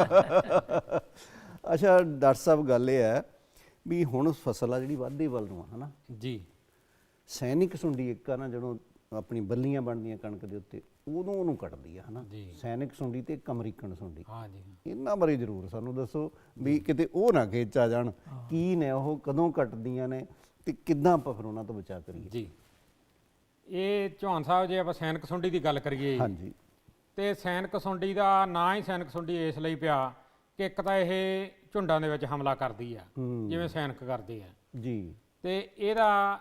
S2: ਅੱਛਾ ਡਾਕਟਰ ਸਾਹਿਬ, ਗੱਲ ਇਹ ਹੈ ਵੀ ਹੁਣ ਫਸਲ ਆ ਜਿਹੜੀ ਵਾਧੇ ਵੱਲ ਨੂੰ ਆ ਹਨਾ,
S3: ਜੀ।
S2: ਸੈਨਿਕ ਸੁੰਡੀ ਇੱਕ ਆ ਨਾ, ਜਦੋਂ ਆਪਣੀ ਬੱਲੀਆਂ ਬਣਦੀਆਂ ਕਣਕ ਦੇ ਉੱਤੇ ਉਦੋਂ ਉਹਨੂੰ ਕੱਟਦੀ ਆ ਹਨਾ,
S3: ਜੀ।
S2: ਸੈਨਿਕ ਸੁੰਡੀ ਤੇ ਇੱਕ ਅਮਰੀਕਨ ਸੁੰਡੀ।
S3: ਹਾਂਜੀ
S2: ਇਹਨਾਂ ਬਾਰੇ ਜ਼ਰੂਰ ਸਾਨੂੰ ਦੱਸੋ ਵੀ ਕਿਤੇ ਉਹ ਨਾ ਖੇਚ ਆ ਜਾਣ, ਕੀ ਨੇ ਉਹ, ਕਦੋਂ ਕੱਟਦੀਆਂ ਨੇ ਤੇ ਕਿੱਦਾਂ ਆਪਾਂ ਫਿਰ ਉਹਨਾਂ ਤੋਂ ਬਚਾ ਕਰੀਏ।
S3: ਜੀ। ਇਹ ਚੌਹਾਨ ਸਾਹਿਬ, ਜੇ ਆਪਾਂ ਸੈਨਿਕ ਸੁੰਡੀ ਦੀ ਗੱਲ ਕਰੀਏ
S2: ਹਾਂਜੀ।
S3: ਤੇ ਸੈਨਿਕ ਸੁੰਡੀ ਦਾ ਨਾਂ ਹੀ ਸੈਨਿਕ ਸੁੰਡੀ ਇਸ ਲਈ ਪਿਆ ਕਿ ਇੱਕ ਤਾਂ ਇਹ ਝੁੰਡਾਂ ਦੇ ਵਿੱਚ ਹਮਲਾ ਕਰਦੀ ਆ,
S2: ਹੂੰ।
S3: ਜਿਵੇਂ ਸੈਨਿਕ ਕਰਦੇ ਆ।
S2: ਜੀ।
S3: ਤੇ ਇਹਦਾ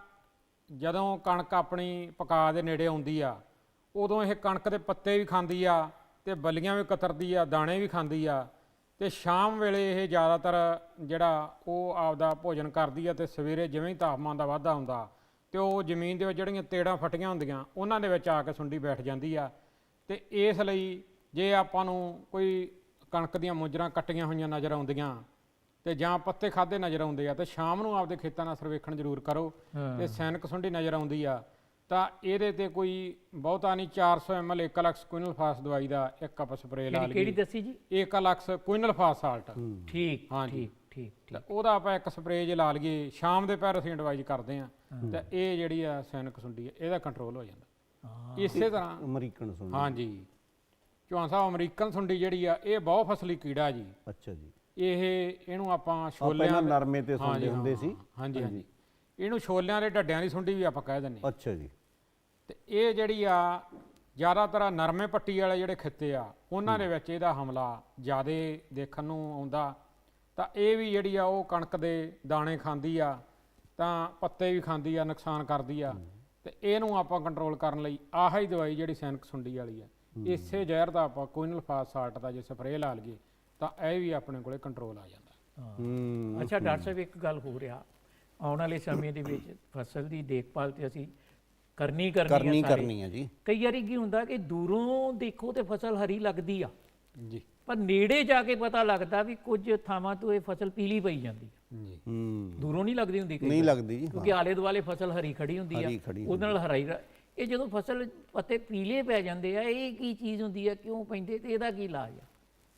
S3: ਜਦੋਂ ਕਣਕ ਆਪਣੀ ਪਕਾ ਦੇ ਨੇੜੇ ਆਉਂਦੀ ਆ ਉਦੋਂ ਇਹ ਕਣਕ ਦੇ ਪੱਤੇ ਵੀ ਖਾਂਦੀ ਆ ਤੇ ਬੱਲੀਆਂ ਵੀ ਕਤਰਦੀ ਆ, ਦਾਣੇ ਵੀ ਖਾਂਦੀ ਆ। ਤੇ ਸ਼ਾਮ ਵੇਲੇ ਇਹ ਜ਼ਿਆਦਾਤਰ ਜਿਹੜਾ ਉਹ ਆਪਦਾ ਭੋਜਨ ਕਰਦੀ ਆ ਤੇ ਸਵੇਰੇ ਜਿਵੇਂ ਹੀ ਤਾਪਮਾਨ ਦਾ ਵਾਧਾ ਹੁੰਦਾ ਤੇ ਉਹ ਜ਼ਮੀਨ ਦੇ ਵਿੱਚ ਜਿਹੜੀਆਂ ਤੇੜਾਂ ਫਟੀਆਂ ਹੁੰਦੀਆਂ ਉਹਨਾਂ ਦੇ ਵਿੱਚ ਆ ਕੇ ਸੁੰਡੀ ਬੈਠ ਜਾਂਦੀ ਆ। ਤੇ ਇਸ ਲਈ ਜੇ ਆਪਾਂ ਨੂੰ ਕੋਈ ਕਣਕ ਦੀਆਂ ਮੁੰਜਰਾਂ ਕੱਟੀਆਂ ਹੋਈਆਂ ਨਜ਼ਰ ਆਉਂਦੀਆਂ ਤੇ ਜਾਂ ਪੱਤੇ ਖਾਦੇ ਨਜ਼ਰ ਆਉਂਦੇ ਆ ਤੇ ਸ਼ਾਮ ਨੂੰ ਆਪਦੇ ਖੇਤਾਂ ਨਾਲ ਸਰਵੇਖਣ ਜ਼ਰੂਰ ਕਰੋ। ਤੇ ਸੈਨਿਕ ਸੁੰਡੀ ਨਜ਼ਰ ਆਉਂਦੀ ਆ ਤਾਂ ਇਹਦੇ ਤੇ ਕੋਈ ਬਹੁਤਾ ਨਹੀਂ, ਚਾਰ ਸੌ ਐਮ ਐਲ ਏਕਾਲਕਸ ਕੁਇਨਲਫਾਸ ਦਵਾਈ ਦਾ ਇੱਕ ਕੱਪ ਸਪਰੇਅ ਲਾ ਲਈਏ।
S1: ਕਿਹੜੀ ਦੱਸੀ ਜੀ?
S3: Ekalux quinalphos salt.
S1: ਠੀਕ
S3: ਹਾਂਜੀ।
S1: ਠੀਕ ਠੀਕ
S3: ਤਾਂ ਉਹਦਾ ਆਪਾਂ ਇੱਕ ਸਪਰੇਅ ਜੇ ਲਾ ਲਈਏ, ਸ਼ਾਮ ਦੇ ਪਹਿਰ ਅਸੀਂ ਐਡਵਾਈਜ਼ ਕਰਦੇ ਆ ਤਾਂ ਇਹ ਜਿਹੜੀ ਆ ਸੈਨਿਕ ਸੁੰਡੀ ਆ ਇਹਦਾ ਕੰਟਰੋਲ ਹੋ ਜਾਂਦਾ। ਇਸੇ ਤਰ੍ਹਾਂ
S2: ਅਮਰੀਕਨ ਸੁੰਡੀ।
S3: ਹਾਂਜੀ ਚੌਹਾਨ ਸਾਹਿਬ, ਅਮਰੀਕਨ ਸੁੰਡੀ ਜਿਹੜੀ ਆ ਇਹ ਬਹੁ ਫਸਲੀ ਕੀੜਾ ਜੀ।
S2: ਅੱਛਾ ਜੀ।
S3: ਇਹ ਇਹਨੂੰ ਆਪਾਂ
S2: ਪਹਿਲਾਂ
S3: ਛੋਲਿਆਂ ਦੇ-
S2: ਨਰਮੇ ਤੇ ਸੁੰਡੇ
S3: ਹਾਂਜੀ,
S2: ਹੁੰਦੇ ਸੀ।
S3: ਹਾਂਜੀ ਹਾਂਜੀ। ਇਹਨੂੰ ਛੋਲਿਆਂ ਦੇ ਢੱਡਿਆਂ ਦੀ ਸੁੰਡੀ ਵੀ ਆਪਾਂ ਕਹਿ ਦਿੰਦੇ ਹਾਂ।
S2: ਅੱਛਾ ਜੀ।
S3: ਤੇ ਇਹ ਜਿਹੜੀ ਆ ਜ਼ਿਆਦਾਤਰ ਨਰਮੇ ਪੱਟੀ ਵਾਲੇ ਜਿਹੜੇ ਖਿੱਤੇ ਆ ਉਹਨਾਂ ਦੇ ਵਿੱਚ ਇਹਦਾ ਹਮਲਾ ਜ਼ਿਆਦਾ ਦੇਖਣ ਨੂੰ ਆਉਂਦਾ। ਤਾਂ ਇਹ ਵੀ ਜਿਹੜੀ ਆ ਉਹ ਕਣਕ ਦੇ ਦਾਣੇ ਖਾਂਦੀ ਆ ਤਾਂ ਪੱਤੇ ਵੀ ਖਾਂਦੀ ਆ, ਨੁਕਸਾਨ ਕਰਦੀ ਆ। ਤੇ ਇਹਨੂੰ ਆਪਾਂ ਕੰਟਰੋਲ ਕਰਨ ਲਈ ਆਹ ਹੀ ਦਵਾਈ ਜਿਹੜੀ ਸੈਨਿਕ ਸੁੰਡੀ ਵਾਲੀ ਆ, ਇਸੇ ਜ਼ਹਿਰ ਦਾ ਆਪਾਂ ਕੁਇਨਲਫਾਸ ਸਾਲਟ ਦਾ ਜੇ ਸਪਰੇਅ ਲਾ ਲਈਏ ਤਾਂ ਇਹ ਵੀ ਆਪਣੇ ਕੋਲੇ ਕੰਟਰੋਲ ਆ ਜਾਂਦਾ।
S2: ਹੂੰ।
S1: ਅੱਛਾ ਡਾਕਟਰ ਸਾਹਿਬ, ਇੱਕ ਗੱਲ ਹੋ ਰਿਹਾ, ਆਉਣ ਵਾਲੇ ਸਮੇਂ ਦੇ ਵਿੱਚ ਫਸਲ ਦੀ ਦੇਖਭਾਲ ਤੇ ਅਸੀਂ ਕਰਨੀ ਕਰਨੀ
S2: ਕਰਨੀ
S1: ਆ ਸਾਰੇ।
S2: ਕਰਨੀ ਆ ਜੀ।
S1: ਕਈ ਵਾਰੀ ਕੀ ਹੁੰਦਾ ਕਿ ਦੂਰੋਂ ਦੇਖੋ ਤੇ ਫਸਲ ਹਰੀ ਲੱਗਦੀ ਆ,
S3: ਜੀ
S1: ਪਰ ਨੇੜੇ ਜਾ ਕੇ ਪਤਾ ਲੱਗਦਾ ਵੀ ਕੁਝ ਥਾਵਾਂ ਤੋਂ ਇਹ ਫਸਲ ਪੀਲੀ ਪਈ ਜਾਂਦੀ ਆ।
S3: ਜੀ
S2: ਹੂੰ।
S1: ਦੂਰੋਂ ਨਹੀਂ ਲੱਗਦੀ ਹੁੰਦੀ ਕਈ
S2: ਨਹੀਂ
S1: ਵਾਰ,
S2: ਲੱਗਦੀ ਜੀ।
S1: ਕਿਉਂਕਿ ਆਲੇ ਦੁਆਲੇ ਫਸਲ ਹਰੀ ਖੜੀ ਹੁੰਦੀ ਆ,
S2: ਹਰੀ ਖੜੀ
S1: ਉਹਦੇ ਨਾਲ ਹਰਾਈ ਰ- ਇਹ ਜਦੋਂ ਫਸਲ ਪੱਤੇ ਪੀਲੇ ਪੈ ਜਾਂਦੇ ਆ, ਇਹ ਕੀ ਚੀਜ਼ ਹੁੰਦੀ ਆ, ਕਿਉਂ ਪੈਂਦੇ ਤੇ ਇਹਦਾ ਕੀ ਇਲਾਜ ਆ?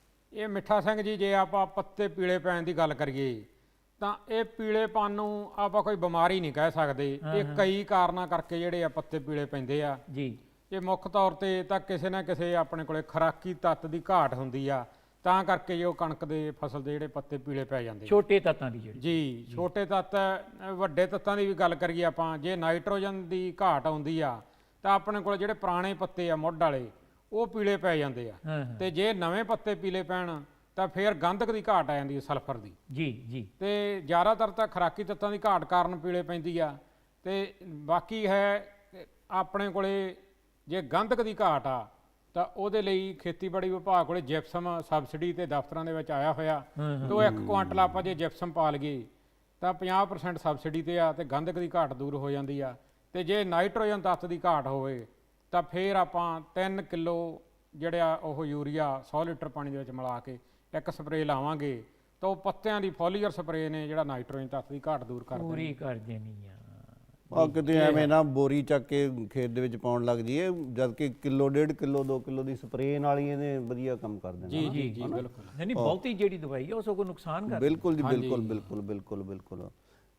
S3: ਇਹ ਮਿੱਠਾ ਸਿੰਘ ਜੀ, ਜੇ ਆਪਾਂ ਪੱਤੇ ਪੀਲੇ ਪੈਣ ਦੀ ਗੱਲ ਕਰੀਏ ਤਾਂ ਇਹ ਪੀਲੇਪਨ ਨੂੰ ਆਪਾਂ ਕੋਈ ਬਿਮਾਰੀ ਨਹੀਂ ਕਹਿ ਸਕਦੇ। ਇਹ ਕਈ ਕਾਰਨਾਂ ਕਰਕੇ ਜਿਹੜੇ ਆ ਪੱਤੇ ਪੀਲੇ ਪੈਂਦੇ ਆ
S1: ਜੀ।
S3: ਇਹ ਮੁੱਖ ਤੌਰ ਤੇ ਤਾਂ ਕਿਸੇ ਨਾ ਕਿਸੇ ਆਪਣੇ ਕੋਲੇ ਖੁਰਾਕੀ ਤੱਤ ਦੀ ਘਾਟ ਹੁੰਦੀ ਆ, ਤਾਂ ਕਰਕੇ ਜੋ ਕਣਕ ਦੇ ਫਸਲ ਦੇ ਜਿਹੜੇ ਪੱਤੇ ਪੀਲੇ ਪੈ ਜਾਂਦੇ ਆ।
S1: ਛੋਟੇ ਤੱਤਾਂ ਦੀ ਜਿਹੜੀ।
S3: ਜੀ ਛੋਟੇ ਤੱਤ। ਅ, ਵੱਡੇ ਤੱਤਾਂ ਦੀ ਵੀ ਗੱਲ ਕਰੀਏ ਆਪਾਂ, ਜੇ ਨਾਈਟ੍ਰੋਜਨ ਦੀ ਘਾਟ ਆਉਂਦੀ ਆ ਤਾਂ ਆਪਣੇ ਕੋਲ ਜਿਹੜੇ ਪੁਰਾਣੇ ਪੱਤੇ ਆ ਮੁੱਢ ਵਾਲੇ ਉਹ ਪੀਲੇ ਪੈ ਜਾਂਦੇ ਆ।
S1: ਹਾਂ ਹਾਂ
S3: ਤੇ ਜੇ ਨਵੇਂ ਪੱਤੇ ਪੀਲੇ ਪੈਣ ਤਾਂ ਫਿਰ ਗੰਧਕ ਦੀ ਘਾਟ ਆ ਜਾਂਦੀ ਹੈ, ਸਲਫਰ ਦੀ।
S1: ਜੀ ਜੀ।
S3: ਤੇ ਜ਼ਿਆਦਾਤਰ ਤਾਂ ਖੁਰਾਕੀ ਤੱਤਾਂ ਦੀ ਘਾਟ ਕਾਰਨ ਪੀਲੇ ਪੈਂਦੀ ਆ। ਤੇ ਬਾਕੀ ਹੈ ਕਿ ਆਪਣੇ ਕੋਲੇ ਜੇ ਗੰਧਕ ਦੀ ਘਾਟ ਆ ਤਾਂ ਉਹਦੇ ਲਈ ਖੇਤੀਬਾੜੀ ਵਿਭਾਗ ਕੋਲੇ ਜਿਪਸਮ ਸਬਸਿਡੀ ਤੇ ਦਫ਼ਤਰਾਂ ਦੇ ਵਿੱਚ ਆਇਆ ਹੋਇਆ। ਤੇ ਉਹ ਇੱਕ ਕੁਆਂਟਲ ਆਪਾਂ ਜੇ ਜਿਪਸਮ ਪਾ ਲਈਏ ਤਾਂ ਪੰਜਾਹ ਪ੍ਰਸੈਂਟ ਸਬਸਿਡੀ ਤੇ ਆ ਤੇ ਗੰਧਕ ਦੀ ਘਾਟ ਦੂਰ ਹੋ ਜਾਂਦੀ ਆ। ਤੇ ਜੇ ਨਾਈਟ੍ਰੋਜਨ ਤੱਤ ਦੀ ਘਾਟ ਹੋਵੇ ਤਾਂ ਫਿਰ ਆਪਾਂ ਤਿੰਨ ਕਿਲੋ ਜਿਹੜਾ ਉਹ ਯੂਰੀਆ ਸੌ ਲੀਟਰ ਪਾਣੀ ਦੇ ਵਿੱਚ ਮਿਲਾ ਕੇ ਇੱਕ ਸਪਰੇਅ ਲਾਵਾਂਗੇ ਤਾਂ ਉਹ ਪੱਤਿਆਂ ਦੀ ਫੋਲੀਅਰ ਸਪਰੇਅ ਨੇ ਜਿਹੜਾ ਨਾਈਟ੍ਰੋਜਨ ਤੱਤ ਦੀ ਘਾਟ ਦੂਰ ਕਰ
S1: ਪੂਰੀ ਕਰ ਦੇਣੀ ਆ।
S2: ਆ ਕਿਤੇ ਐਵੇਂ ਨਾ ਬੋਰੀ ਚੱਕ ਕੇ ਖੇਤ ਦੇ ਵਿੱਚ ਪਾਉਣ ਲੱਗ ਜੀਏ, ਜਦ ਕਿ ਕਿਲੋ ਡੇਢ ਕਿਲੋ ਦੋ ਕਿਲੋ ਦੀ ਸਪਰੇਅ ਨਾਲ ਹੀ ਇਹਨੇ ਵਧੀਆ ਕੰਮ ਕਰ ਦੇਣਾ।
S3: ਜੀ ਜੀ ਜੀ ਬਿਲਕੁਲ।
S1: ਨਹੀਂ ਨਹੀਂ, ਬਹੁਤੀ ਜਿਹੜੀ ਦਵਾਈ ਆ ਉਹ ਸਗੋਂ ਨੁਕਸਾਨ ਕਰ।
S2: ਬਿਲਕੁਲ ਜੀ, ਬਿਲਕੁਲ ਬਿਲਕੁਲ ਬਿਲਕੁਲ ਬਿਲਕੁਲ।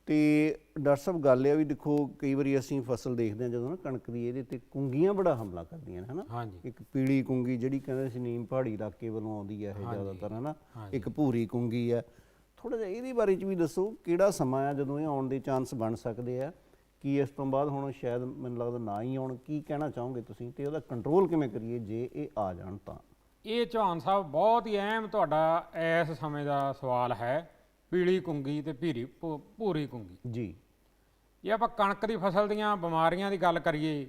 S2: ਤੇ ਡਾਕਟਰ ਸਾਹਿਬ ਗੱਲ ਇਹ ਆ ਵੀ ਦੇਖੋ, ਕਈ ਵਾਰੀ ਅਸੀਂ ਫਸਲ ਦੇਖਦੇ ਹਾਂ ਜਦੋਂ ਨਾ ਕਣਕ ਦੀ, ਇਹਦੇ ਤੇ ਕੁੰਗੀਆਂ ਬੜਾ ਹਮਲਾ ਕਰਦੀਆਂ ਨੇ ਹਨਾ।
S3: ਹਾਂਜੀ
S2: ਇੱਕ ਪੀਲੀ ਕੁੰਗੀ ਜਿਹੜੀ ਕਹਿੰਦੇ ਸੀ ਨੀਮ ਪਹਾੜੀ ਇਲਾਕੇ ਵੱਲੋਂ ਆਉਂਦੀ ਹੈ ਇਹ ਜ਼ਿਆਦਾਤਰ ਹਨਾ। ਇੱਕ ਭੂਰੀ ਕੁੰਗੀ ਹੈ। ਥੋੜਾ ਜਿਹਾ ਇਹਦੇ ਬਾਰੇ ਚ ਵੀ ਦੱਸੋ, ਕਿਹੜਾ ਸਮਾਂ ਆ ਜਦੋਂ ਇਹ ਆਉਣ ਦੇ ਚਾਂਸ ਬਣ ਸਕਦੇ ਆ? ਕੀ ਇਸ ਤੋਂ ਬਾਅਦ ਹੁਣ ਸ਼ਾਇਦ ਮੈਨੂੰ ਲੱਗਦਾ ਨਾ ਹੀ ਆਉਣ? ਕੀ ਕਹਿਣਾ ਚਾਹੋਗੇ ਤੁਸੀਂ, ਤੇ ਉਹਦਾ ਕੰਟਰੋਲ ਕਿਵੇਂ ਕਰੀਏ ਜੇ ਇਹ ਆ ਜਾਣ ਤਾਂ?
S3: ਇਹ ਚੌਹਾਨ ਸਾਹਿਬ ਬਹੁਤ ਹੀ ਅਹਿਮ ਤੁਹਾਡਾ ਇਸ ਸਮੇਂ ਦਾ ਸਵਾਲ ਹੈ, ਪੀਲੀ ਕੁੰਗੀ ਤੇ ਭੀਰੀ ਭੂ- ਭੂਰੀ ਕੁੰਗੀ।
S2: ਜੀ।
S3: ਜੇ ਆਪਾਂ ਕਣਕ ਦੀ ਫਸਲ ਦੀਆਂ ਬਿਮਾਰੀਆਂ ਦੀ ਗੱਲ ਕਰੀਏ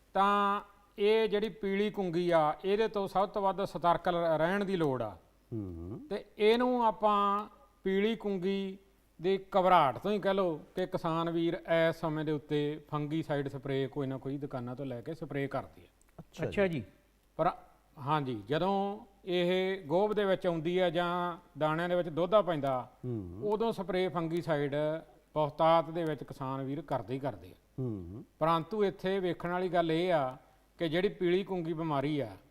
S3: ਤਾਂ ਇਹ ਜਿਹੜੀ ਪੀਲੀ ਕੁੰਗੀ ਆ ਇਹਦੇ ਤੋਂ ਸਭ ਤੋਂ ਵੱਧ ਸਤਰਕ ਲ- ਰਹਿਣ ਦੀ ਲੋੜ ਆ।
S2: ਹੂੰ।
S3: ਤੇ ਇਹਨੂੰ ਆਪਾਂ ਪੀਲੀ ਕੁੰਗੀ ਦੀ ਘਬਰਾਹਟ ਤੋਂ ਹੀ ਕਹਿ ਲਓ ਕਿ ਕਿਸਾਨ ਵੀਰ ਇਸ ਸਮੇਂ ਦੇ ਉੱਤੇ ਫੰਗੀਸਾਈਡ ਸਪਰੇਅ ਕੋਈ ਨਾ ਕੋਈ ਦੁਕਾਨਾਂ ਤੋਂ ਲੈ ਕੇ ਸਪਰੇਅ ਕਰਦੇ ਆ।
S1: ਅੱਛਾ ਜੀ।
S3: ਪਰ ਹਾਂਜੀ ਜਦੋਂ ਇਹ ਗੋਭ ਦੇ ਵਿੱਚ ਆਉਂਦੀ ਹੈ ਜਾਂ ਦਾਣਿਆਂ ਦੇ ਵਿੱਚ ਦੋਧਾ ਪੈਂਦਾ ਉਦੋਂ ਸਪਰੇਅ ਫੰਗੀਸਾਈਡ ਬਹੁਤਾਤ ਦੇ ਵਿੱਚ ਕਿਸਾਨ ਵੀਰ ਕਰਦੇ ਹੀ ਕਰਦੇ ਆ।
S2: ਹੂੰ
S3: ਪਰੰਤੂ ਇੱਥੇ ਵੇਖਣ ਵਾਲੀ ਗੱਲ ਇਹ ਆ ਕਿ ਜਿਹੜੀ ਪੀਲੀ ਕੁੰਗੀ ਬਿਮਾਰੀ ਆ